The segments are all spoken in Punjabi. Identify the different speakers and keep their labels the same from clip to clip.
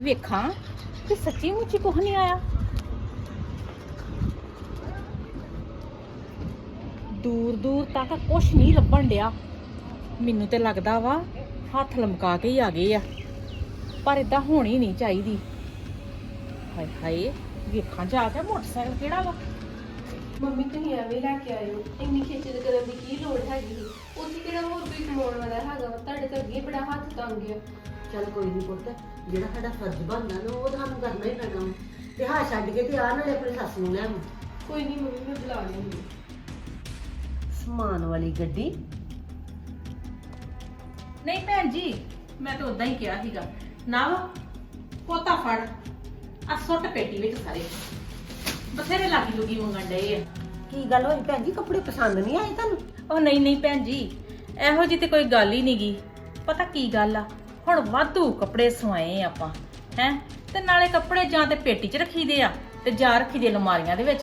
Speaker 1: ਵੇਖਾਂ ਕਿ ਸੱਚੀ ਮੁੱਚੀ ਕੁਝ ਨਹੀਂ ਆਇਆ। ਦੂਰ ਦੂਰ ਤੱਕ ਕੁਝ ਨਹੀਂ ਲੱਭਣ ਡਿਆ। ਮੈਨੂੰ ਤੇ ਲੱਗਦਾ ਵਾ ਹੱਥ ਲਮਕਾ ਕੇ ਹੀ ਆ ਗਏ ਆ, ਪਰ ਇਦਾਂ ਹੋਣੀ ਨਹੀਂ ਚਾਹੀਦੀ। ਹਾਏ ਹਾਏ, ਵੇਖਾਂ ਜਾ ਕੇ ਮੋਟਰਸਾਈਕਲ ਕਿਹੜਾ ਵਾ।
Speaker 2: ਮੰਮੀ ਤੁਸੀਂ ਐਵੇਂ ਲੈ ਕੇ ਆਇਓ, ਇੰਨੀ ਖੇਚਲ ਕਰਨ ਦੀ ਕੀ ਲੋੜ ਹੈਗੀ ਸੀ? ਉੱਥੇ ਕਿਹੜਾ ਹੋਰ ਕੋਈ ਕਮਾਉਣ ਵਾਲਾ ਹੈਗਾ ਵਾ? ਤੁਹਾਡੇ ਤਾਂ ਅੱਗੇ ਬੜਾ ਹੱਥ ਤੰਗ ਆ।
Speaker 3: ਚੱਲ ਕੋਈ ਨਹੀਂ ਪੁੱਤ, ਜਿਹੜਾ ਸਾਡਾ ਫਰਜ਼ ਬਣਦਾ ਨਾ ਉਹ ਸਾਨੂੰ ਕਰਨਾ ਹੀ ਪੈਣਾ ਵਾ। ਤੇ ਹਾਂ ਛੱਡ ਕੇ ਤੇ ਆ ਨਾਲੇ ਆਪਣੀ ਸੱਸ ਨੂੰ ਲੈ ਆਵਾਂ।
Speaker 2: ਕੋਈ ਨਹੀਂ ਮੰਮੀ, ਮੈਂ ਬੁਲਾ ਲੂੰਗੀ।
Speaker 3: ਸਮਾਨ ਵਾਲੀ ਗੱਡੀ
Speaker 1: ਨਹੀਂ ਭੈਣ ਜੀ, ਮੈਂ ਤਾਂ ਉਦਾਂ ਹੀ ਕਿਹਾ ਸੀਗਾ ਨਾ। ਪੋਤਾ ਫੜ ਆ ਸੁੱਟ ਪੇਟੀ ਵਿੱਚ ਸਾਰੇ ਬਥੇਰੇ ਲਾਗੀ ਲੁਗੀ ਮੰਗਣ ਡਏ ਆ।
Speaker 3: ਕੀ ਗੱਲ ਹੋਈ ਭੈਣ ਜੀ? ਕੱਪੜੇ ਪਸੰਦ ਨਹੀਂ ਆਏ ਤੁਹਾਨੂੰ?
Speaker 1: ਉਹ ਨਹੀਂ ਭੈਣ ਜੀ, ਇਹੋ ਜੀ ਤੇ ਕੋਈ ਗੱਲ ਹੀ ਨਹੀਂਗੀ। ਪਤਾ ਕੀ ਗੱਲ ਆ, ਹੁਣ ਵਾਧੂ ਕੱਪੜੇ ਸਵਾਏ ਆਪਾਂ ਹੈ, ਤੇ ਨਾਲੇ ਕੱਪੜੇ ਜਾਂ ਤੇ ਪੇਟੀ 'ਚ ਰੱਖੀਦੇ ਆ ਤੇ ਜਾਂ ਰੱਖੀਦੇ ਅਲਮਾਰੀਆਂ ਦੇ ਵਿੱਚ।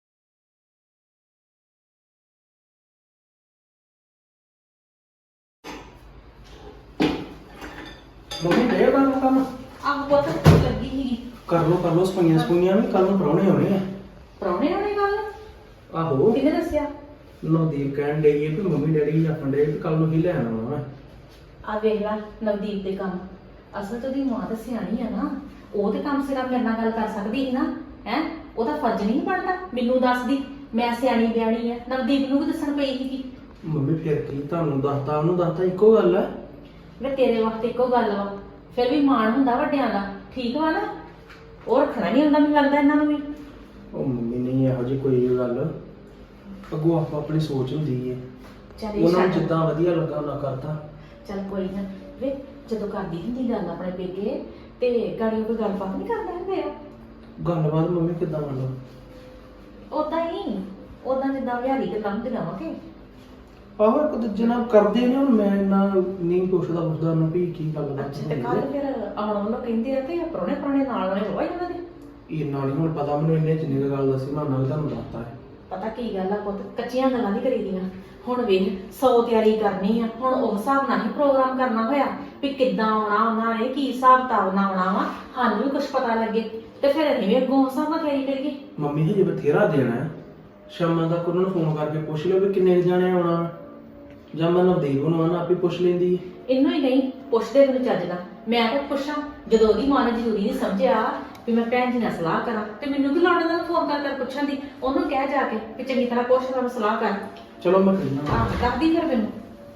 Speaker 4: ਮੰਮੀ ਦੇ ਕੰਮ
Speaker 1: ਆਹ ਬਹੁਤ ਲੱਗੀ ਸੀਗੀ।
Speaker 4: ਕਰ ਲੋ ਸਪਾਈਆਂ ਵੀ ਕੱਲ ਨੂੰ ਪ੍ਰਾਹੁਣੇ ਆਉਣੇ ਆ।
Speaker 1: ਪ੍ਰਾਹੁਣੇ ਹੋਣੇ ਗੱਲ
Speaker 4: ਆਹੋ,
Speaker 1: ਕਿਹਨੇ ਦੱਸਿਆ?
Speaker 4: ਨਵਦੀਪ ਕਹਿਣ ਡਈ ਵੀ ਮੰਮੀ ਡੈਡੀ ਆਖਣ ਡਏ ਵੀ ਕੱਲ ਨੂੰ ਹੀ ਲੈਣ ਆਉਣਾ ਵਾ।
Speaker 1: ਆ ਵੇਖ ਲੈ ਨਵਦੀਪ ਦੇ ਕੰਮ। ਅਸਲ ਤੋਂ ਦੀ ਮਾਂ ਤਾਂ ਸਿਆਣੀ ਆ ਨਾ, ਉਹ ਤੇ ਕਮ ਸੇ ਕਮ ਮੇਰੇ ਨਾਲ ਗੱਲ ਕਰ ਸਕਦੀ ਸੀ ਨਾ। ਹੈ ਉਹਦਾ ਫਰਜ਼ ਨਹੀਂ ਬਣਦਾ ਮੈਨੂੰ ਦੱਸਦੀ? ਮੈਂ ਸਿਆਣੀ ਬਿਆਣੀ ਆ, ਨਵਦੀਪ ਨੂੰ ਵੀ ਦੱਸਣ ਪਈ ਸੀਗੀ।
Speaker 4: ਮੰਮੀ ਫਿਰ ਕੀ ਤੁਹਾਨੂੰ ਦੱਸਤਾ ਉਹਨੂੰ ਦੱਸਤਾ ਇੱਕੋ ਗੱਲ ਆ।
Speaker 1: ਵੇ ਤੇਰੇ ਵਕਤ ਇੱਕੋ ਗੱਲ ਵਾ, ਫਿਰ ਵੀ ਮਾਣ ਹੁੰਦਾ ਵੱਡਿਆਂ ਦਾ, ਠੀਕ ਵਾ ਨਾ? ਉਹ ਰੱਖਣਾ ਨਹੀਂ ਹੁੰਦਾ ਮੈਨੂੰ ਲੱਗਦਾ ਇਹਨਾਂ ਨੂੰ ਵੀ।
Speaker 4: ਉਹ ਮੰਮੀ ਨਹੀਂ ਇਹੋ ਜਿਹੀ ਕੋਈ ਗੱਲ, ਅੱਗੋਂ ਆਪੋ ਆਪਣੀ ਸੋਚ ਹੁੰਦੀ ਹੈ।
Speaker 1: ਚੱਲ ਇਹ
Speaker 4: ਉਹਨਾਂ ਨੂੰ
Speaker 1: ਛੱਡ।
Speaker 4: ਜਿੱਦਾਂ ਵਧੀਆ ਲੱਗਾ ਉਹਨਾਂ ਕਰਤਾ।
Speaker 1: ਚੱਲ ਕੋਈ ਨਾ ਵੇ, ਜਦੋਂ ਕਰਦੀ ਹੁੰਦੀ ਗੱਲ ਆਪਣੇ ਪੇਕੇ ਤੇ ਗਾੜੀ ਕੋਈ ਗੱਲਬਾਤ ਨਹੀਂ ਕਰਦੇ ਹੁੰਦੇ ਆ।
Speaker 4: ਗੱਲਬਾਤ ਮੰਮੀ ਕਿੱਦਾਂ ਮਤਲਬ?
Speaker 1: ਉਦਾਂ ਜਿੱਦਾਂ ਵਿਹਾਰੀ ਗੱਲਾਂ ਹੁੰਦੀਆਂ ਵਾ ਕਿ
Speaker 4: ਆਹੋ ਇੱਕ ਦੂਜੇ ਨਾਲ ਕਰਦੇ ਨੇ। ਹੁਣ ਮੈਂ ਇੰਨਾ ਨਹੀਂ ਪੁੱਛਦਾ ਉਹਨੂੰ ਵੀ ਕੀ ਗੱਲ
Speaker 1: ਅੱਛਾ। ਤੇ ਕੱਲ ਫਿਰ ਆਉਣ ਵੱਲੋਂ ਕਹਿੰਦੇ ਆ ਤੇ ਪ੍ਰਾਹੁਣੇ ਨਾਲ ਵਾਲੇ ਹੋਏ ਉਹਨਾਂ ਦੇ।
Speaker 4: ਇੰਨਾ ਨਹੀਂ ਹੁਣ ਪਤਾ ਮੈਨੂੰ, ਇੰਨੇ ਜਿੰਨੀ ਕੁ ਗੱਲ ਦੱਸੀ ਮੈਂ ਉਹਨਾਂ ਨੇ ਤੁਹਾਨੂੰ ਦੱਸਤਾ ਹੈ।
Speaker 1: ਪਤਾ ਕੀ ਗੱਲ ਆ ਪੁੱਤ, ਕੱਚੀਆਂ ਗੱਲਾਂ ਨਹੀਂ ਕਰੀਦੀਆਂ। ਹੁਣ ਵੇਖ 100 ਤਿਆਰੀ ਕਰਨੀ ਆ, ਹੁਣ ਉਸ ਹਿਸਾਬ ਨਾਲ ਹੀ ਪ੍ਰੋਗਰਾਮ ਕਰਨਾ ਹੋਇਆ ਵੀ ਕਿੱਦਾਂ ਆਉਣਾ ਉਹਨਾਂ ਨੇ, ਕੀ ਹਿਸਾਬ ਕਿਤਾਬ ਨਾਲ ਆਉਣਾ ਵਾ, ਸਾਨੂੰ ਵੀ ਕੁਝ ਪਤਾ ਲੱਗੇ ਤੇ ਫਿਰ ਅਸੀਂ ਵੀ ਅੱਗੋਂ ਉਸ ਹਿਸਾਬ ਨਾਲ ਤਿਆਰੀ ਕਰੀਏ।
Speaker 4: ਮੰਮੀ ਹਜੇ ਬਥੇਰਾ ਦੇਣਾ ਹੈ। ਸ਼ਾਮਾਂ ਤੱਕ ਉਹਨਾਂ ਨੂੰ ਫੋਨ ਕਰਕੇ ਪੁੱਛ ਲਿਓ ਵੀ ਕਿੰਨੇ ਜਾਣੇ ਆਉਣਾ, ਜਾਂ ਮੈਂ ਨਵਦੀਪ ਨੂੰ ਆਣਾ ਆਪੇ ਪੁੱਛ ਲੈਂਦੀ।
Speaker 1: ਇਹਨੂੰ ਹੀ ਨਹੀਂ ਪੁੱਛਦੇ ਮੈਨੂੰ ਚੱਜ ਨਾਲ, ਮੈਂ ਤਾਂ ਪੁੱਛਾਂ ਜਦੋਂ ਉਹਦੀ ਮਾਂ ਨੇ ਜ਼ਰੂਰੀ ਨਹੀਂ ਸਮਝਿਆ ਵੀ ਮੈਂ ਭੈਣ ਜੀ ਨਾਲ ਸਲਾਹ ਕਰਾਂ, ਤੇ ਮੈਨੂੰ ਕੀ ਲੋੜ ਉਹਨਾਂ ਨੂੰ ਫੋਨ ਕਰ ਪੁੱਛਣ ਦੀ? ਉਹਨੂੰ ਕਹਿ ਜਾ ਕੇ ਕਿ ਚੰਗੀ ਤਰ੍ਹਾਂ ਪੁੱਛ ਲੈ, ਸਲਾਹ ਕਰ।
Speaker 4: ਚਲੋ ਮੈਂ ਕਹਿਣਾ।
Speaker 1: ਆਹ ਕਰਦੀ ਫਿਰ ਮੈਨੂੰ।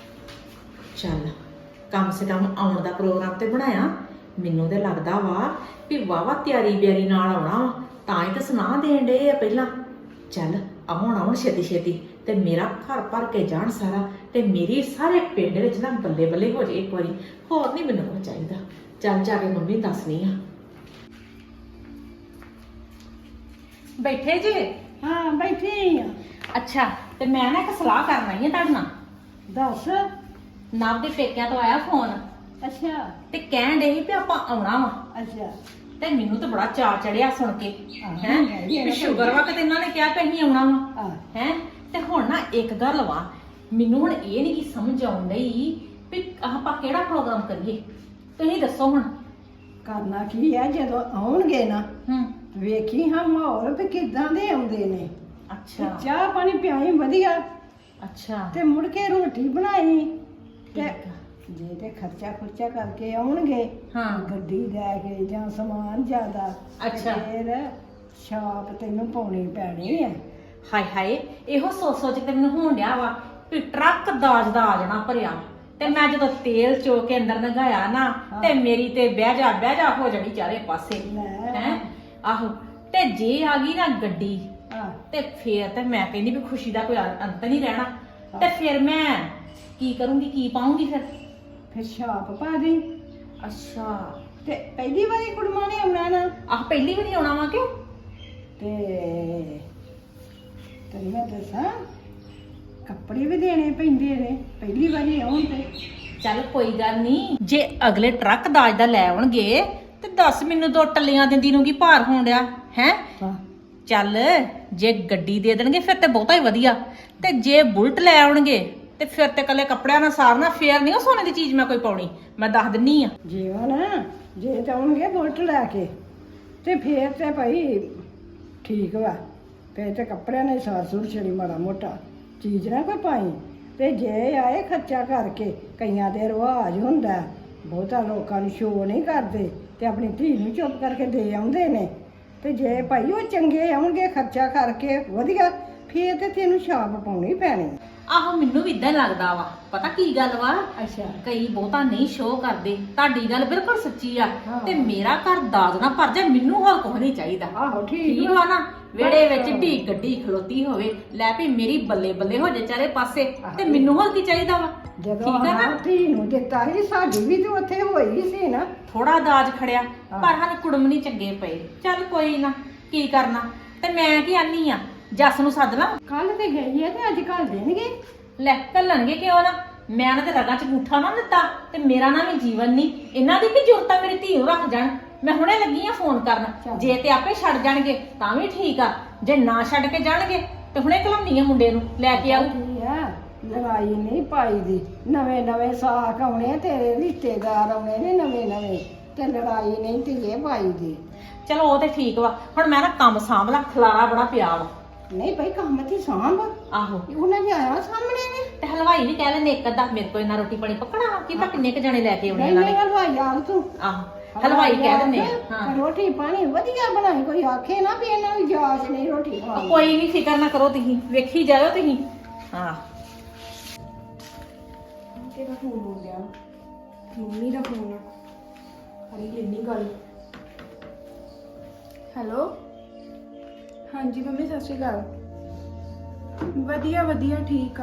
Speaker 1: ਚੱਲ ਕਮ ਸੇ ਕਮ ਆਉਣ ਦਾ ਪ੍ਰੋਗਰਾਮ ਤੇ ਬਣਾਇਆ। ਮੈਨੂੰ ਤੇ ਲੱਗਦਾ ਵਾ ਵੀ ਵਾਵਾ ਤਿਆਰੀ ਬਿਆਰੀ ਨਾਲ ਆਉਣਾ ਵਾ, ਤਾਂ ਹੀ ਤਾਂ ਸੁਨਾਹ ਦੇਣ ਡਏ ਆ ਪਹਿਲਾਂ। ਚੱਲ ਆਉਣ ਛੇਤੀ ਛੇਤੀ ਤੇ ਮੇਰਾ ਘਰ ਭਰ ਕੇ ਜਾਣ ਸਾਰਾ, ਤੇ ਮੇਰੀ ਸਾਰੇ ਪਿੰਡ ਵਿੱਚ ਨਾ ਬੱਲੇ ਬੱਲੇ ਹੋ ਜੇ ਇੱਕ ਵਾਰੀ। ਹੋਰ ਨਹੀਂ ਮੈਨੂੰ ਕੁਝ ਚਾਹੀਦਾ। ਚੱਲ ਜਾ ਕੇ ਮੰਮੀ ਦੱਸਣੀ ਆ। ਬੈਠੇ ਜੇ?
Speaker 3: ਹਾਂ ਬੈਠੀ ਆ।
Speaker 1: ਅੱਛਾ, ਤੇ ਮੈਂ ਨਾ ਇੱਕ ਸਲਾਹ ਕਰਨ ਆਈ ਆ ਤੁਹਾਡੇ ਨਾਲ।
Speaker 3: ਦੱਸ।
Speaker 1: ਨਵ ਦੇ ਪੇਕਿਆਂ ਤੋਂ ਆਇਆ ਫੋਨ,
Speaker 3: ਅੱਛਾ
Speaker 1: ਤੇ ਕਹਿਣ ਡੇ ਸੀ ਵੀ ਆਪਾਂ ਆਉਣਾ ਵਾ।
Speaker 3: ਅੱਛਾ।
Speaker 1: ਤੇ ਮੈਨੂੰ ਤਾਂ ਬੜਾ ਚਾਅ ਚੜਿਆ ਸੁਣ ਕੇ।
Speaker 3: ਮੈਂ ਵੀ
Speaker 1: ਹੈ ਸ਼ੁਗਰ ਵਾ ਕਿ ਇਹਨਾਂ ਨੇ ਕਿਹਾ ਕਿ ਅਸੀਂ ਆਉਣਾ ਵਾ।
Speaker 3: ਆ
Speaker 1: ਹੈ ਤੇ ਹੁਣ ਨਾ ਇੱਕ ਗੱਲ ਵਾ, ਮੈਨੂੰ ਹੁਣ ਇਹ ਨਹੀਂ ਕੀ ਸਮਝ ਆਉਣ ਡਈ ਵੀ ਆਪਾਂ ਕਿਹੜਾ ਪ੍ਰੋਗਰਾਮ ਕਰੀਏ। ਤੁਸੀਂ ਦੱਸੋ ਹੁਣ।
Speaker 5: ਕਰਨਾ ਕੀ ਹੈ ਜਦੋਂ ਆਉਣਗੇ ਨਾ,
Speaker 1: ਹੂੰ।
Speaker 5: ਵੇਖੀ ਹਾਂ ਮਾਹੌਲ ਵੀ ਕਿਦਾਂ ਦੇ ਆਉਂਦੇ ਨੇ।
Speaker 1: ਅੱਛਾ
Speaker 5: ਚਾਹ ਪਾਣੀ ਪਿਆਈ ਵਧੀਆ,
Speaker 1: ਅੱਛਾ
Speaker 5: ਤੇ ਮੁੜ ਕੇ ਰੋਟੀ ਬਣਾਈ। ਤੇ
Speaker 1: ਠੀਕ ਆ।
Speaker 5: ਜੇ ਤੇ ਖਰਚਾ ਖੁਰਚਾ ਕਰਕੇ ਆਉਣਗੇ,
Speaker 1: ਹਾਂ।
Speaker 5: ਗੱਡੀ ਲੈ ਕੇ ਜਾਂ ਸਮਾਨ ਜ਼ਿਆਦਾ,
Speaker 1: ਅੱਛਾ।
Speaker 5: ਫਿਰ ਛਾਪ ਤੈਨੂੰ ਪਾਉਣੀ ਪੈਣੀ ਹੈ।
Speaker 1: ਹਾਏ ਹਾਏ, ਇਹੋ ਸੋਚ ਕੇ ਮੈਨੂੰ ਹੋਣ ਡਿਆ ਵਾ ਵੀ ਟਰੱਕ ਦਾਜ ਦਾ ਆ ਜਾਣਾ ਭਰਿਆ, ਤੇ ਮੈਂ ਜਦੋਂ ਤੇਲ ਚੋ ਕੇ ਅੰਦਰ ਲੰਘਾਇਆ ਨਾ, ਤੇ ਮੇਰੀ ਤੇ ਬਹਿ ਜਾ ਹੋ ਜਾਣੀ ਚਾਰੇ ਪਾਸੇ।
Speaker 5: ਲੈ।
Speaker 1: ਹੈ ਆਹੋ, ਤੇ ਜੇ ਆ ਗਈ ਨਾ ਗੱਡੀ,
Speaker 5: ਆ
Speaker 1: ਤੇ ਫੇਰ ਤੇ ਮੈਂ ਕਹਿੰਦੀ ਵੀ ਖੁਸ਼ੀ ਦਾ ਕੋਈ ਅੰਤ ਨਹੀਂ ਰਹਿਣਾ। ਤੇ ਫਿਰ ਮੈਂ ਕੀ ਕਰੂੰਗੀ, ਕੀ ਪਾਉਂਗੀ
Speaker 5: ਫਿਰ ਛਾਪ ਪਾ ਦੇ।
Speaker 1: ਅੱਛਾ,
Speaker 5: ਤੇ ਪਹਿਲੀ ਵਾਰੀ ਕੁੜਮਾ ਨੇ ਆਉਣਾ ਨਾ,
Speaker 1: ਆਹ ਪਹਿਲੀ ਵਾਰੀ ਆਉਣਾ ਵਾ ਕਿਉਂ?
Speaker 5: ਤੇ ਤੈਨੂੰ ਮੈਂ ਦੱਸਾਂ, ਕੱਪੜੇ ਵੀ ਦੇਣੇ ਪੈਂਦੇ ਨੇ ਪਹਿਲੀ ਵਾਰੀ ਆਉਣ ਤੇ।
Speaker 1: ਚੱਲ ਕੋਈ ਗੱਲ ਨਹੀਂ, ਜੇ ਅਗਲੇ ਟਰੱਕ ਦਾਜ ਦਾ ਲੈ ਆਉਣਗੇ ਤੇ ਦੱਸ ਮੈਨੂੰ 2 ਟੱਲੀਆਂ ਦਿੰਦੀ ਨੂੰ ਕੀ ਭਾਰ ਹੋਣ ਡਿਆ ਹੈ? ਚੱਲ ਜੇ ਗੱਡੀ ਦੇ ਦੇਣਗੇ ਫਿਰ ਤੇ ਬਹੁਤਾ ਹੀ ਵਧੀਆ, ਤੇ ਜੇ ਬੁਲਟ ਲੈ ਆਉਣਗੇ ਤੇ ਫਿਰ ਤੇ ਕੱਲੇ ਕੱਪੜਿਆਂ ਨਾਲ ਸਾਰਨਾ, ਫੇਰ ਨਹੀਂ ਉਹ ਸੋਨੇ ਦੀ ਚੀਜ਼ ਮੈਂ ਕੋਈ ਪਾਉਣੀ। ਮੈਂ ਦੱਸ ਦਿੰਨੀ ਆ।
Speaker 5: ਜੀਵਨ ਜੇ ਜਾਉਣਗੇ ਬੁਲਟ ਲੈ ਕੇ ਤੇ ਫੇਰ ਤੇ ਭਾਈ ਠੀਕ ਵਾ, ਫੇਰ ਤੇ ਕੱਪੜਿਆਂ ਨੇ ਸਾਰ-ਸੂਰ ਛੜੀ ਮਾੜਾ ਮੋਟਾ ਚੀਜ਼ ਨਾ ਕੋਈ ਪਾਈ। ਤੇ ਜੇ ਆਏ ਖਰਚਾ ਕਰਕੇ, ਕਈਆਂ ਦੇ ਰਿਵਾਜ ਹੁੰਦਾ, ਬਹੁਤਾ ਲੋਕਾਂ ਨੂੰ ਸ਼ੋਅ ਨਹੀਂ ਕਰਦੇ ਤੇ ਆਪਣੀ ਧੀ ਨੂੰ ਚੁੱਪ ਕਰਕੇ ਦੇ ਆਉਂਦੇ ਨੇ। ਤੇ ਜੇ ਭਾਈ ਉਹ ਚੰਗੇ ਆਉਣਗੇ ਖਰਚਾ ਕਰਕੇ ਵਧੀਆ, ਫੇਰ ਤੇ ਤੈਨੂੰ ਛਾਪ ਪਾਉਣੀ ਪੈਣੀ।
Speaker 1: ਆਹੋ ਮੈਨੂੰ ਵੀ ਇਦਾਂ ਲੱਗਦਾ ਵਾ। ਪਤਾ ਕੀ ਗੱਲ ਵਾ,
Speaker 5: ਅੱਛਾ
Speaker 1: ਕਈ ਬਹੁਤਾ ਨਹੀਂ ਸ਼ੋਅ ਕਰਦੇ। ਤੁਹਾਡੀ ਗੱਲ ਬਿਲਕੁਲ ਸੱਚੀ ਆ।
Speaker 5: ਹਾਂ।
Speaker 1: ਤੇ ਮੇਰਾ ਘਰ ਦਾਜ ਨਾ ਭਰ ਜਾ, ਮੈਨੂੰ ਹੋਰ ਕੁਝ ਨਹੀਂ ਚਾਹੀਦਾ।
Speaker 5: ਆਹੋ ਠੀਕ
Speaker 1: ਠੀਕ ਵਾ ਨਾ, ਵਿਹੜੇ ਵਿੱਚ ਢੀ ਗੱਡੀ ਖਲੋਤੀ ਹੋਵੇ, ਲੈ ਵੀ ਮੇਰੀ ਬੱਲੇ ਬੱਲੇ ਹੋ ਜੇ ਚਾਰੇ ਪਾਸੇ, ਤੇ ਮੈਨੂੰ ਹੋਰ ਕੀ ਚਾਹੀਦਾ ਵਾ।
Speaker 5: ਜਦੋਂ
Speaker 1: ਠੀਕ ਆ ਨਾ?
Speaker 5: ਹਾਂ ਧੀ ਨੂੰ ਦਿੱਤਾ ਸੀ, ਸਾਡੀ ਵੀ ਤੇ ਉੱਥੇ ਹੋਈ ਸੀ ਨਾ।
Speaker 1: ਥੋੜਾ ਦਾਜ ਖੜਿਆ,
Speaker 5: ਹਾਂ।
Speaker 1: ਪਰ ਹਨ ਕੁੜਮ ਨਹੀਂ ਚੰਗੇ ਪਏ। ਚੱਲ ਕੋਈ ਨਾ, ਕੀ ਕਰਨਾ। ਤੇ ਮੈਂ ਕੀ ਆਨੀ ਆ, ਜੱਸ ਨੂੰ ਸੱਦ ਲਾਂ।
Speaker 5: ਕੱਲ ਤੇ ਗਈ ਹੈ ਤੇ ਅੱਜ ਕੱਲ ਦੇਣਗੇ।
Speaker 1: ਲੈ ਘੱਲਣਗੇ ਕਿਉਂ ਨਾ। ਮੈਂ ਇਹਨਾਂ ਦੇ ਰਗਾਂ 'ਚ ਅੰਗੂਠਾ ਨਾ ਦਿੱਤਾ ਤੇ ਮੇਰਾ ਨਾ ਵੀ ਜੀਵਨ ਨਹੀਂ। ਇਹਨਾਂ ਦੀ ਕੀ ਜ਼ਰੂਰਤ ਆ ਮੇਰੀ ਧੀ ਨੂੰ ਰੱਖ ਜਾਣ। ਮੈਂ ਹੁਣੇ ਲੱਗੀ ਆ ਫੋਨ ਕਰਨ। ਜੇ ਤੇ ਆਪੇ ਛੱਡ ਜਾਣਗੇ ਤਾਂ ਵੀ ਠੀਕ ਆ, ਜੇ ਨਾ ਛੱਡ ਕੇ ਜਾਣਗੇ ਤੇ ਹੁਣੇ ਘਲਾਉਣੀ ਆ ਮੁੰਡੇ ਨੂੰ, ਲੈ ਕੇ ਆਊ।
Speaker 5: ਕੀ ਆ, ਲੜਾਈ ਨਹੀਂ ਪਾਈ ਦੀ। ਨਵੇਂ ਨਵੇਂ ਸਾਕ ਆਉਣੇ, ਤੇਰੇ ਰਿਸ਼ਤੇਦਾਰ ਆਉਣੇ ਨੇ ਨਵੇਂ ਨਵੇਂ, ਤੇ ਲੜਾਈ ਨਹੀਂ ਧੀਏ ਪਾਈ ਦੀ।
Speaker 1: ਚਲੋ ਉਹ ਤੇ ਠੀਕ ਵਾ। ਹੁਣ ਮੈਂ ਨਾ ਕੰਮ ਸਾਂਭ ਲਾ, ਖਲਾਰਾ ਬੜਾ ਪਿਆ ਵਾ।
Speaker 5: ਨਹੀਂ ਭਾਈ ਕੰਮ ਦੀ ਸਾਂਭ,
Speaker 1: ਆਹੋ
Speaker 5: ਉਹਨਾਂ ਦੇ ਆਇਆ ਸਾਹਮਣੇ ਨੇ।
Speaker 1: ਤੇ ਹਲਵਾਈ ਵੀ ਕਹਿ ਲੈਂਦੇ ਇੱਕ ਅੱਧਾ, ਮੇਰੇ ਕੋਲ ਇੰਨਾ ਰੋਟੀ ਪਾਣੀ ਪੱਕਣਾ ਵਾ, ਕੀ ਤਾਂ ਕਿੰਨੇ ਕ ਜਣੇ ਲੈ ਕੇ ਆਉਣੇ
Speaker 5: ਨਹੀਂ
Speaker 1: ਇਹਨਾਂ
Speaker 5: ਨਹੀਂ
Speaker 1: ਨੇ।
Speaker 5: ਹਲਵਾਈ ਆ ਤੂੰ।
Speaker 1: ਆਹੋ ਹਲਵਾਈ ਕਹਿ ਦਿੰਦੇ ਆ। ਹਾਂ
Speaker 5: ਰੋਟੀ ਪਾਣੀ ਵਧੀਆ ਬਣਾਈ, ਕੋਈ ਆਖੇ ਨਾ ਵੀ ਇਹਨਾਂ ਨੂੰ ਜਾਚ ਨਹੀਂ ਰੋਟੀ
Speaker 1: ਉਹ
Speaker 5: ਖਾਣੀ।
Speaker 1: ਕੋਈ ਨਹੀਂ, ਫਿਕਰ ਨਾ ਕਰੋ ਤੁਸੀਂ, ਵੇਖੀ ਜਾਇਓ ਤੁਸੀਂ। ਹਾਂ
Speaker 2: ਕਿਹਦਾ ਫੋਨ ਹੋ ਗਿਆ? ਮੰਮੀ ਦਾ ਫੋਨ ਆ। ਕਰੀ ਲੈਣੀ ਗੱਲ। ਹੈਲੋ, ਹਾਂਜੀ ਮੰਮੀ ਸਤਿ ਸ਼੍ਰੀ ਅਕਾਲ। ਵਧੀਆ ਵਧੀਆ ਠੀਕ ਆ।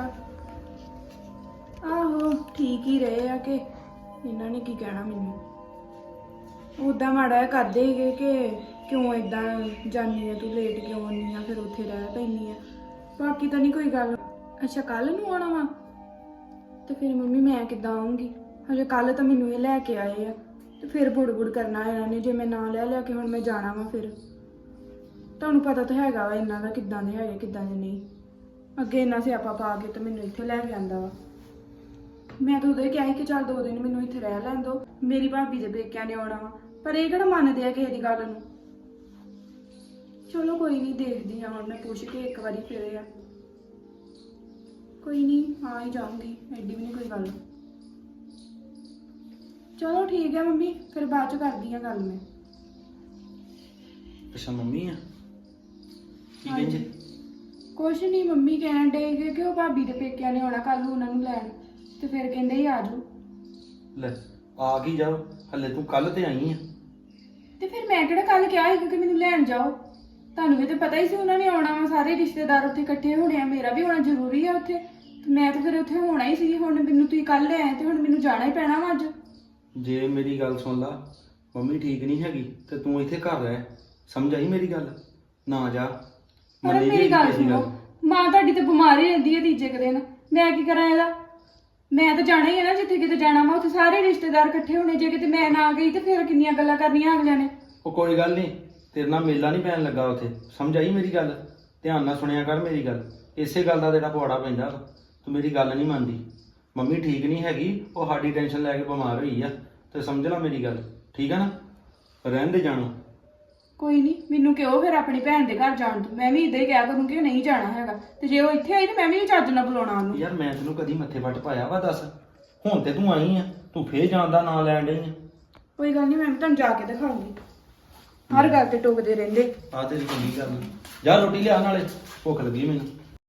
Speaker 2: ਆਹੋ ਠੀਕ ਹੀ ਰਹੇ ਆ, ਕਿ ਇਹਨਾਂ ਨੇ ਕੀ ਕਹਿਣਾ ਮੈਨੂੰ। ਉਦਾਂ ਮਾੜਾ ਜਿਹਾ ਕਰਦੇ ਸੀਗੇ ਕਿ ਕਿਉਂ ਇਦਾਂ ਜਾਨੀ ਆ ਤੂੰ, ਲੇਟ ਕਿਉਂ ਆਉਂਦੀ ਆ, ਫਿਰ ਉੱਥੇ ਰਹਿ ਪੈਂਦੀ ਆ। ਬਾਕੀ ਤਾਂ ਨਹੀਂ ਕੋਈ ਗੱਲ। ਅੱਛਾ ਕੱਲ ਨੂੰ ਆਉਣਾ ਵਾ? ਤੇ ਫਿਰ ਮੰਮੀ ਮੈਂ ਕਿੱਦਾਂ ਆਉਂਗੀ? ਹਜੇ ਕੱਲ ਤਾਂ ਮੈਨੂੰ ਇਹ ਲੈ ਕੇ ਆਏ ਆ, ਤੇ ਫਿਰ ਬੁੜ ਕਰਨਾ ਇਹਨਾਂ ਨੇ ਜੇ ਮੈਂ ਨਾ ਲੈ ਕੇ ਹੁਣ ਮੈਂ ਜਾਣਾ ਵਾ। ਫਿਰ ਤੁਹਾਨੂੰ ਪਤਾ ਤਾਂ ਹੈਗਾ ਵਾ ਇਹਨਾਂ ਦਾ, ਕਿੱਦਾਂ ਦੇ ਹੈਗੇ ਕਿੱਦਾਂ ਦੇ ਨਹੀਂ। ਅੱਗੇ ਇੰਨਾ ਸਿਆਪਾ ਪਾ ਕੇ ਤੇ ਮੈਨੂੰ ਇੱਥੇ ਲੈ ਕੇ ਆਂਦਾ ਵਾ। ਮੈਂ ਤਾਂ ਉਦੋਂ ਹੀ ਕਿਹਾ ਸੀ ਕਿ ਚੱਲ 2 ਦਿਨ ਮੈਨੂੰ ਇੱਥੇ ਰਹਿ ਲੈਣ ਦਿਓ, ਮੇਰੀ ਭਾਬੀ ਦੇ ਪੇਕਿਆਂ ਨੇ ਆਉਣਾ ਵਾ, ਪਰ ਇਹ ਕਿਹੜਾ ਮੰਨਦੇ ਆ ਕਿਸੇ ਦੀ ਗੱਲ ਨੂੰ। ਚਲੋ ਕੋਈ ਨਹੀਂ, ਦੇਖਦੀ ਆ ਹੁਣ ਮੈਂ ਪੁੱਛ ਕੇ ਇੱਕ ਵਾਰੀ ਫਿਰ ਆ। ਕੋਈ ਨਹੀਂ ਆ ਹੀ ਜਾਊਂਗੀ, ਐਡੀ ਵੀ ਨਹੀਂ ਕੋਈ ਗੱਲ। ਚਲੋ ਠੀਕ ਹੈ ਮੰਮੀ, ਫਿਰ ਬਾਅਦ ਚ ਕਰਦੀ ਆ ਗੱਲ ਮੈਂ।
Speaker 4: ਅੱਛਾ ਮੰਮੀ ਆ, ਕੀ ਕਹਿੰਦੇ?
Speaker 2: ਕੁਛ ਨਹੀਂ, ਮੰਮੀ ਕਹਿਣ ਡੇ ਕਿ ਉਹ ਭਾਬੀ ਦੇ ਪੇਕਿਆਂ ਨੇ ਆਉਣਾ ਕੱਲ ਨੂੰ ਉਹਨਾਂ ਨੂੰ ਲੈਣ, ਤੇ ਫਿਰ ਕਹਿੰਦੇ ਹੀ ਆ ਜਾਓ।
Speaker 4: ਲੈ ਆ ਗਈ ਜਾਓ, ਹਲੇ ਤੂੰ ਕੱਲ ਤੇ ਆਈ ਆ।
Speaker 2: ਤੇ ਫਿਰ ਮੈਂ ਕਿਹੜਾ ਕੱਲ ਕਿਹਾ ਸੀ ਕਿ ਮੈਨੂੰ ਲੈਣ ਜਾਓ? ਤੁਹਾਨੂੰ ਵੀ ਤਾਂ ਪਤਾ ਹੀ ਸੀ ਉਹਨਾਂ ਨੇ ਆਉਣਾ ਵਾ, ਸਾਰੇ ਰਿਸ਼ਤੇਦਾਰ ਉੱਥੇ ਇਕੱਠੇ ਹੋਣੇ ਆ, ਮੇਰਾ ਵੀ ਹੋਣਾ ਜ਼ਰੂਰੀ ਆ ਉੱਥੇ, ਤੇ ਮੈਂ ਤਾਂ ਫਿਰ ਉੱਥੇ ਹੋਣਾ ਹੀ ਸੀ। ਹੁਣ ਮੈਨੂੰ ਤੁਸੀਂ ਕੱਲ ਲੈ ਆਏ ਤੇ ਹੁਣ ਮੈਨੂੰ ਜਾਣਾ ਹੀ ਪੈਣਾ ਵਾ ਅੱਜ।
Speaker 4: ਜੇ ਮੇਰੀ ਗੱਲ ਸੁਣ ਲਾ, ਮੰਮੀ ਠੀਕ ਨਹੀਂ ਹੈਗੀ ਤੇ ਤੂੰ ਇੱਥੇ ਘਰ ਰਹਿ, ਸਮਝ ਆਈ ਮੇਰੀ ਗੱਲ? ਨਾ ਜਾ।
Speaker 2: ਪਰ
Speaker 4: ਮੰਨੀ
Speaker 2: ਮੇਰੀ
Speaker 4: ਜਾਏਗੀ
Speaker 2: ਗੱਲ
Speaker 4: ਤੇਰੀ
Speaker 2: ਸੁਣੋ, ਮਾਂ ਤੁਹਾਡੀ ਤੇ ਬਿਮਾਰ ਹੀ ਰਹਿੰਦੀ ਹੈ ਤੀਜੇ ਕੁ ਦਿਨ, ਮੈਂ ਕੀ ਕਰਾਂ ਇਹਦਾ? ਮੈਂ ਤਾਂ ਜਾਣਾ ਹੀ ਹੈ ਨਾ, ਜਿੱਥੇ ਕਿਤੇ ਜਾਣਾ ਵਾ ਉੱਥੇ ਸਾਰੇ ਰਿਸ਼ਤੇਦਾਰ ਇਕੱਠੇ ਹੋਣੇ, ਜੇ ਕਿਤੇ ਮੈਂ ਨਾ ਗਈ ਤੇ ਫਿਰ ਕਿੰਨੀਆਂ ਗੱਲਾਂ ਕਰਨੀਆਂ ਅਗਲਿਆਂ ਨੇ।
Speaker 4: ਉਹ ਕੋਈ ਗੱਲ ਨਹੀਂ, ਤੇਰੇ ਨਾਲ ਮੇਲਾ ਨਹੀਂ ਪੈਣ ਲੱਗਾ ਉੱਥੇ, ਸਮਝ ਆਈ ਮੇਰੀ ਗੱਲ? ਧਿਆਨ ਨਾਲ ਸੁਣਿਆ ਕਰ ਮੇਰੀ ਗੱਲ, ਇਸੇ ਗੱਲ ਦਾ ਤੇਰਾ ਪਵਾੜਾ ਪੈਂਦਾ ਵਾ। ਤੂੰ ਮੇਰੀ ਗੱਲ ਨਹੀਂ ਮੰਨਦੀ। ਮੰਮੀ ਠੀਕ ਨਹੀਂ ਹੈਗੀ, ਉਹ ਸਾਡੀ ਟੈਨਸ਼ਨ ਲੈ ਕੇ ਬਿਮਾਰ ਹੋਈ ਆ, ਤੇ ਸਮਝ ਲੈ ਮੇਰੀ ਗੱਲ, ਠੀਕ ਆ ਨਾ? ਰਹਿਣ ਦੇ ਜਾਣੋ।
Speaker 2: ਕੋਈ ਨਹੀਂ, ਮੈਨੂੰ ਕਿਉਂ ਫਿਰ ਆਪਣੀ ਭੈਣ ਦੇ ਘਰ ਜਾਣ ਤੋਂ, ਮੈਂ ਵੀ ਇਦਾਂ ਹੀ ਕਿਹਾ ਕਰੂੰਗੀ ਕਿ ਨਹੀਂ ਜਾਣਾ ਹੈਗਾ, ਤੇ ਜੇ ਉਹ ਇੱਥੇ ਆਈ ਤੇ ਮੈਂ ਵੀ ਚੱਜ ਨਾਲ ਬੁਲਾਉਣਾ ਉਹਨੂੰ।
Speaker 4: ਯਾਰ ਮੈਂ ਤੈਨੂੰ ਕਦੀ ਮੱਥੇ ਵੱਟ ਪਾਇਆ ਵਾ? ਦੱਸ, ਹੁਣ ਤੇ ਤੂੰ ਆਈ ਆ, ਤੂੰ ਫੇਰ ਜਾਣ ਦਾ ਨਾਂ ਲੈਣ ਡਈ ਆ।
Speaker 2: ਕੋਈ ਗੱਲ ਨਹੀਂ, ਮੈਂ ਵੀ ਤੁਹਾਨੂੰ ਜਾ ਕੇ ਦਿਖਾਉਂਗੀ। ਹਰ ਗੱਲ ਤੇ ਟੋਕਦੇ ਰਹਿੰਦੇ।
Speaker 4: ਆ ਤੇਰੀ ਚੰਗੀ ਗੱਲ, ਜਾ ਰੋਟੀ ਲਿਆ, ਨਾਲੇ ਭੁੱਖ ਲੱਗੀ ਮੈਨੂੰ।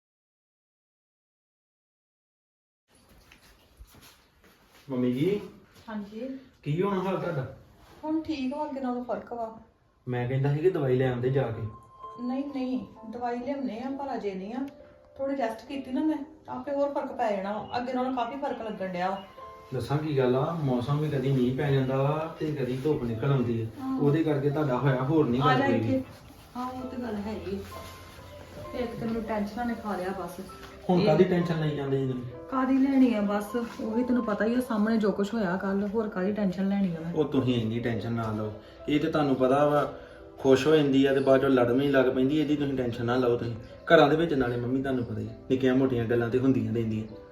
Speaker 4: ਮੰਮੀ ਜੀ
Speaker 1: ਹਾਂਜੀ
Speaker 4: ਕੀ ਹੋਣਾ ਹਾਲ ਤੁਹਾਡਾ?
Speaker 1: ਹੁਣ ਠੀਕ ਵਾ, ਅੱਗੇ ਨਾਲੋਂ ਫਰਕ ਵਾ।
Speaker 4: ਮੈਂ ਕਹਿੰਦਾ ਸੀ ਕਿ ਦਵਾਈ ਲੈ ਆਉਂਦੇ ਜਾ ਕੇ।
Speaker 1: ਨਹੀਂ ਨਹੀਂ ਦਵਾਈ ਲਿਆਉਣੇ ਆ, ਪਰ ਅਜੇ ਨਹੀਂ ਆ। ਥੋੜੀ ਰੈਸਟ ਕੀਤੀ ਨਾ ਮੈਂ, ਆਪੇ ਹੋਰ ਫਰਕ ਪੈ ਜਾਣਾ ਵਾ। ਅੱਗੇ ਨਾਲੋਂ ਕਾਫੀ ਫਰਕ ਲੱਗਣ ਡਿਆ ਵਾ।
Speaker 4: ਦੱਸਾਂ ਕੀ ਗੱਲ ਆ, ਮੌਸਮ ਵੀ ਕਦੀ ਮੀਂਹ ਪੈ ਜਾਂਦਾ ਵਾ ਤੇ ਕਦੀ ਧੁੱਪ ਨਿਕਲ ਆਉਂਦੀ ਹੈ, ਉਹਦੇ ਕਰਕੇ ਤੁਹਾਡਾ ਹੋਇਆ, ਹੋਰ ਨਹੀਂ ਗੱਲ ਕੋਈ।
Speaker 1: ਹਾਂ ਉਹ ਤੇ ਗੱਲ ਹੈਗੀ, ਤੇ ਇੱਕ ਤੈਨੂੰ ਟੈਨਸ਼ਨ ਨੇ ਖਾ ਲਿਆ ਬਸ।
Speaker 4: ਹੁਣ ਕਾਦੀ ਟੈਨਸ਼ਨ ਲਈ ਜਾਂਦੇ ਜੀ ਤੁਸੀਂ?
Speaker 1: ਕਾਦੀ ਲੈਣੀ ਆ ਬਸ, ਉਹੀ ਤੈਨੂੰ ਪਤਾ ਹੀ ਆ ਸਾਹਮਣੇ ਜੋ ਕੁਝ ਹੋਇਆ ਕੱਲ, ਹੋਰ ਕਾਦੀ ਟੈਨਸ਼ਨ ਲੈਣੀ ਆ ਮੈਂ।
Speaker 4: ਉਹ ਤੁਸੀਂ ਇੰਨੀ ਟੈਨਸ਼ਨ ਨਾ ਲਓ, ਇਹ ਤੇ ਤੁਹਾਨੂੰ ਪਤਾ ਵਾ ਖੁਸ਼ ਹੋ ਜਾਂਦੀ ਆ ਤੇ ਬਾਅਦ ਚੋਂ ਲੜਨ ਹੀ ਲੱਗ ਪੈਂਦੀ, ਇਹਦੀ ਤੁਸੀਂ ਟੈਨਸ਼ਨ ਨਾ ਲਓ। ਤੁਸੀਂ ਘਰਾਂ ਦੇ ਵਿੱਚ ਨਾਲੇ ਮੰਮੀ ਤੁਹਾਨੂੰ ਪਤਾ ਹੀ ਨਿੱਕੀਆਂ ਮੋਟੀਆਂ ਗੱਲਾਂ ਤੇ ਹੁੰਦੀਆਂ ਰਹਿੰਦੀਆਂ।
Speaker 1: ਹਾਂ ਉਹ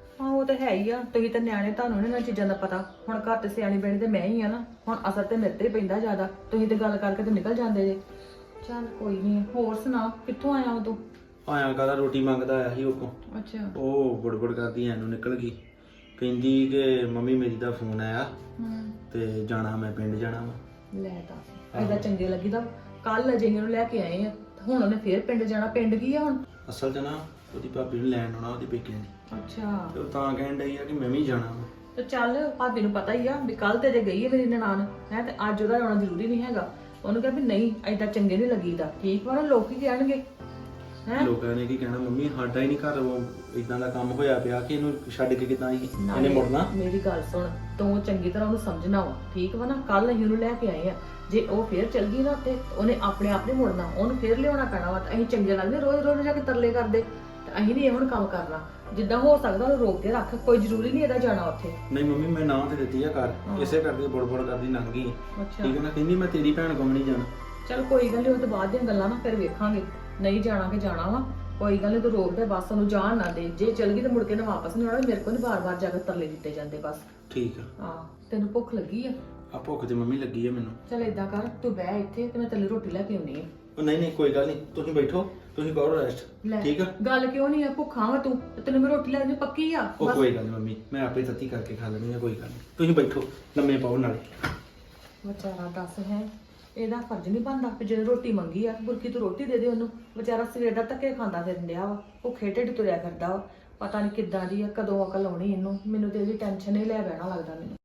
Speaker 1: ਉਹ ਤਾਂ ਹੈ ਹੀ ਆ, ਤੁਸੀਂ ਤਾਂ ਨਿਆਣੇ, ਤੁਹਾਨੂੰ ਨੀ ਇਹਨਾਂ ਚੀਜ਼ਾਂ ਦਾ ਪਤਾ। ਹੁਣ ਘਰ ਤੇ ਸਿਆਣੀ ਬਣੀ ਤੇ ਮੈਂ ਹੀ ਆ ਨਾ, ਹੁਣ ਅਸਰ ਤੇ ਮੇਰੇ ਤੇ ਹੀ ਪੈਂਦਾ ਜ਼ਿਆਦਾ। ਤੁਸੀਂ ਤੇ ਗੱਲ ਕਰਕੇ ਤੇ ਨਿਕਲ ਜਾਂਦੇ ਜੇ। ਚੱਲ ਕੋਈ ਨਹੀਂ, ਹੋਰ ਸੁਣਾ, ਕਿੱਥੋਂ ਆਇਆ ਉਦੋਂ?
Speaker 4: ਆਇਆ ਕਾਹਦਾ, ਰੋਟੀ ਮੰਗਦਾ ਆਇਆ ਸੀ ਉਹ ਕੋਲ।
Speaker 1: ਅੱਛਾ।
Speaker 4: ਉਹ ਬੜਬੜ ਕਰਦੀ ਐਨੂੰ ਨਿਕਲ ਗਈ, ਕਹਿੰਦੀ ਕਿ ਮੰਮੀ ਮੇਰੀ ਦਾ ਫੋਨ ਆਇਆ ਤੇ ਜਾਣਾ, ਮੈਂ ਪਿੰਡ ਜਾਣਾ ਵਾ।
Speaker 1: ਲੈ ਦੱਸ, ਐਦਾਂ ਚੰਗੇ ਲੱਗੀਦਾ। ਕੱਲ ਅਜੇ ਨੂੰ ਲੈ ਕੇ ਆਏ ਆ, ਹੁਣ ਉਹਨੇ ਫੇਰ ਪਿੰਡ ਜਾਣਾ। ਪਿੰਡ ਕੀ ਆ ਹੁਣ?
Speaker 4: ਅਸਲ 'ਚ ਨਾ ਉਹਦੀ ਭਾਬੀ ਨੂੰ ਲੈਣ ਆਉਣਾ, ਉਹਦੀ ਪੇਕਿਆਂ ਦੀ।
Speaker 1: ਅੱਛਾ।
Speaker 4: ਤੇ ਉਹ ਤਾਂ ਕਹਿਣ ਡਈ ਆ ਕਿ ਮੈਂ ਵੀ ਜਾਣਾ ਵਾ।
Speaker 1: ਤੇ ਚੱਲ, ਭਾਬੀ ਨੂੰ ਪਤਾ ਹੀ ਆ ਵੀ ਕੱਲ ਤੇ ਜੇ ਗਈ ਹੈ ਮੇਰੀ ਨਨਾਣ ਹੈ, ਤੇ ਅੱਜ ਉਹਦਾ ਆਉਣਾ ਜ਼ਰੂਰੀ ਨਹੀਂ ਹੈਗਾ। ਉਹਨੂੰ ਕਿਹਾ ਵੀ ਨਹੀਂ, ਐਦਾਂ ਚੰਗੇ ਨਹੀਂ ਲੱਗੀਦਾ। ਠੀਕ ਵਾ ਨਾ, ਲੋਕ ਕੀ ਕਹਿਣਗੇ ਹੈ?
Speaker 4: ਲੋਕਾਂ ਨੇ ਕੀ ਕਹਿਣਾ, ਮੰਮੀ ਸਾਡਾ ਹੀ ਨਹੀਂ ਘਰ ਉਹ ਇਦਾਂ ਦਾ ਕੰਮ ਹੋਇਆ ਪਿਆ ਕਿ ਇਹਨੂੰ ਛੱਡ ਕੇ ਕਿੱਦਾਂ ਆਈ, ਇਹਨੇ ਮੁੜਨਾ।
Speaker 1: ਮੇਰੀ ਗੱਲ ਸੁਣ, ਤੂੰ ਚੰਗੀ ਤਰ੍ਹਾਂ ਉਹਨੂੰ ਸਮਝਣਾ ਵਾ, ਠੀਕ ਵਾ ਨਾ? ਕੱਲ ਅਸੀਂ ਉਹਨੂੰ ਲੈ ਕੇ ਆਏ ਆ, ਜੇ ਉਹ ਫੇਰ ਚੱਲ ਗਈ ਨਾ ਤੇ ਉਹਨੇ ਆਪਣੇ ਆਪ ਨਹੀਂ ਮੁੜਨਾ, ਉਹਨੂੰ ਫੇਰ ਲਿਆਉਣਾ ਪੈਣਾ ਵਾ। ਤੇ ਅਸੀਂ ਚੰਗੇ ਲੱਗਦੇ ਰੋਜ਼ ਰੋਜ਼ ਜਾ ਕੇ ਤਰਲੇ ਕਰਦੇ, ਤੇ ਅਸੀਂ ਨਹੀਂ ਇਹ ਹੁਣ ਕੰਮ ਕਰਨਾ। ਜਿੱਦਾਂ ਹੋ ਸਕਦਾ ਉਹਨੂੰ ਰੋਕ ਕੇ ਰੱਖ, ਕੋਈ ਜ਼ਰੂਰੀ ਨਹੀਂ ਇਹਦਾ ਜਾਣਾ ਉੱਥੇ।
Speaker 4: ਨਹੀਂ ਮੰਮੀ, ਮੈਂ ਨਾਂ ਤੇ ਦਿੱਤੀ ਆ ਘਰ, ਇਸੇ ਕਰਕੇ ਬੜਬੜ ਕਰਦੀ ਲੰਘ ਗਈ।
Speaker 1: ਅੱਛਾ।
Speaker 4: ਠੀਕ ਹੈ ਨਾ, ਕਹਿੰਦੀ ਮੈਂ ਤੇਰੀ ਭੈਣ ਕੋਲ ਨਹੀਂ ਜਾਣਾ।
Speaker 1: ਚਲ ਕੋਈ ਗੱਲ ਨਹੀਂ, ਉਹ ਤੋਂ ਬਾਅਦ ਦੀਆਂ ਗੱਲਾਂ ਨਾ ਫਿਰ ਵੇਖਾਂਗੇ। ਨਹੀਂ ਜਾਣਾ ਕਿ ਜਾਣਾ ਵਾ, ਕੋਈ ਗੱਲ ਨਹੀਂ, ਤੂੰ ਰੋਕ ਦੇ ਬਸ, ਉਹਨੂੰ ਜਾਣ ਨਾ ਦੇ। ਜੇ ਚਲ ਗਈ ਤਾਂ ਮੁੜ ਕੇ ਨਾ ਵਾਪਸ ਨਹੀਂ ਆਉਣਾ। ਮੇਰੇ ਕੋਲ ਨਹੀਂ ਬਾਰ-ਬਾਰ ਜਾ ਕੇ ਤਰਲੇ ਦਿੱਤੇ ਜਾਂਦੇ ਬਸ।
Speaker 4: ਠੀਕ ਆ।
Speaker 1: ਹਾਂ, ਤੈਨੂੰ ਭੁੱਖ ਲੱਗੀ ਆ?
Speaker 4: ਆ ਭੁੱਖ ਤੇ ਮੰਮੀ ਲੱਗੀ ਆ ਮੈਨੂੰ।
Speaker 1: ਚਲ ਏਦਾਂ ਕਰ, ਤੂੰ ਬਹਿ ਇੱਥੇ ਤੇ ਮੈਂ ਤੈਨੂੰ ਰੋਟੀ ਲੈ ਕੇ ਆਉਣੀ ਆ।
Speaker 4: ਉਹ ਨਹੀਂ ਕੋਈ ਗੱਲ ਨਹੀਂ, ਤੁਸੀਂ ਬੈਠੋ, ਤੁਸੀਂ ਕਰੋ ਰੈਸਟ।
Speaker 1: ਲੈ,
Speaker 4: ਠੀਕ ਆ।
Speaker 1: ਗੱਲ ਕਿਉਂ ਨਹੀਂ ਆ? ਭੁੱਖਾ ਵਾ ਤੂੰ, ਤੇ ਤੈਨੂੰ ਮੈਂ ਰੋਟੀ ਲੈ ਦੇਣੀ ਪੱਕੀ ਆ।
Speaker 4: ਉਹ ਕੋਈ ਗੱਲ ਨਹੀਂ ਮੰਮੀ, ਮੈਂ ਆਪੇ ਤੱਤੀ ਕਰਕੇ ਖਾ ਲੈਣੀ ਆ, ਕੋਈ ਗੱਲ ਨਹੀਂ। ਤੁਸੀਂ ਬੈਠੋ, ਲੰਮੇ ਪਾਓ ਨਾਲੇ।
Speaker 1: ਵਿਚਾਰਾ ਦੱਸ ਹੈ, ਇਹਦਾ ਫਰਜ਼ ਨਹੀਂ ਬਣਦਾ ਕਿ ਜਦੋਂ ਰੋਟੀ ਮੰਗੀ ਆ ਬੁਰਕੀ ਤੂੰ ਰੋਟੀ ਦੇ ਦੇ ਉਹਨੂੰ। ਵਿਚਾਰਾ ਸਵੇਰ ਦਾ ਧੱਕੇ ਖਾਂਦਾ ਫਿਰਨ ਡਿਆ ਵਾ, ਭੁੱਖੇ ਢਿੱਡ ਤੁਰਿਆ ਫਿਰਦਾ ਵਾ। ਪਤਾ ਨਹੀਂ ਕਿੱਦਾਂ ਦੀ ਆ, ਕਦੋਂ ਅਕਲ ਆਉਣੀ ਇਹਨੂੰ। ਮੈਨੂੰ ਤੇ ਇਹਦੀ ਟੈਨਸ਼ਨ ਹੀ ਲੈ ਬਹਿਣਾ ਲੱਗਦਾ ਮੈਨੂੰ।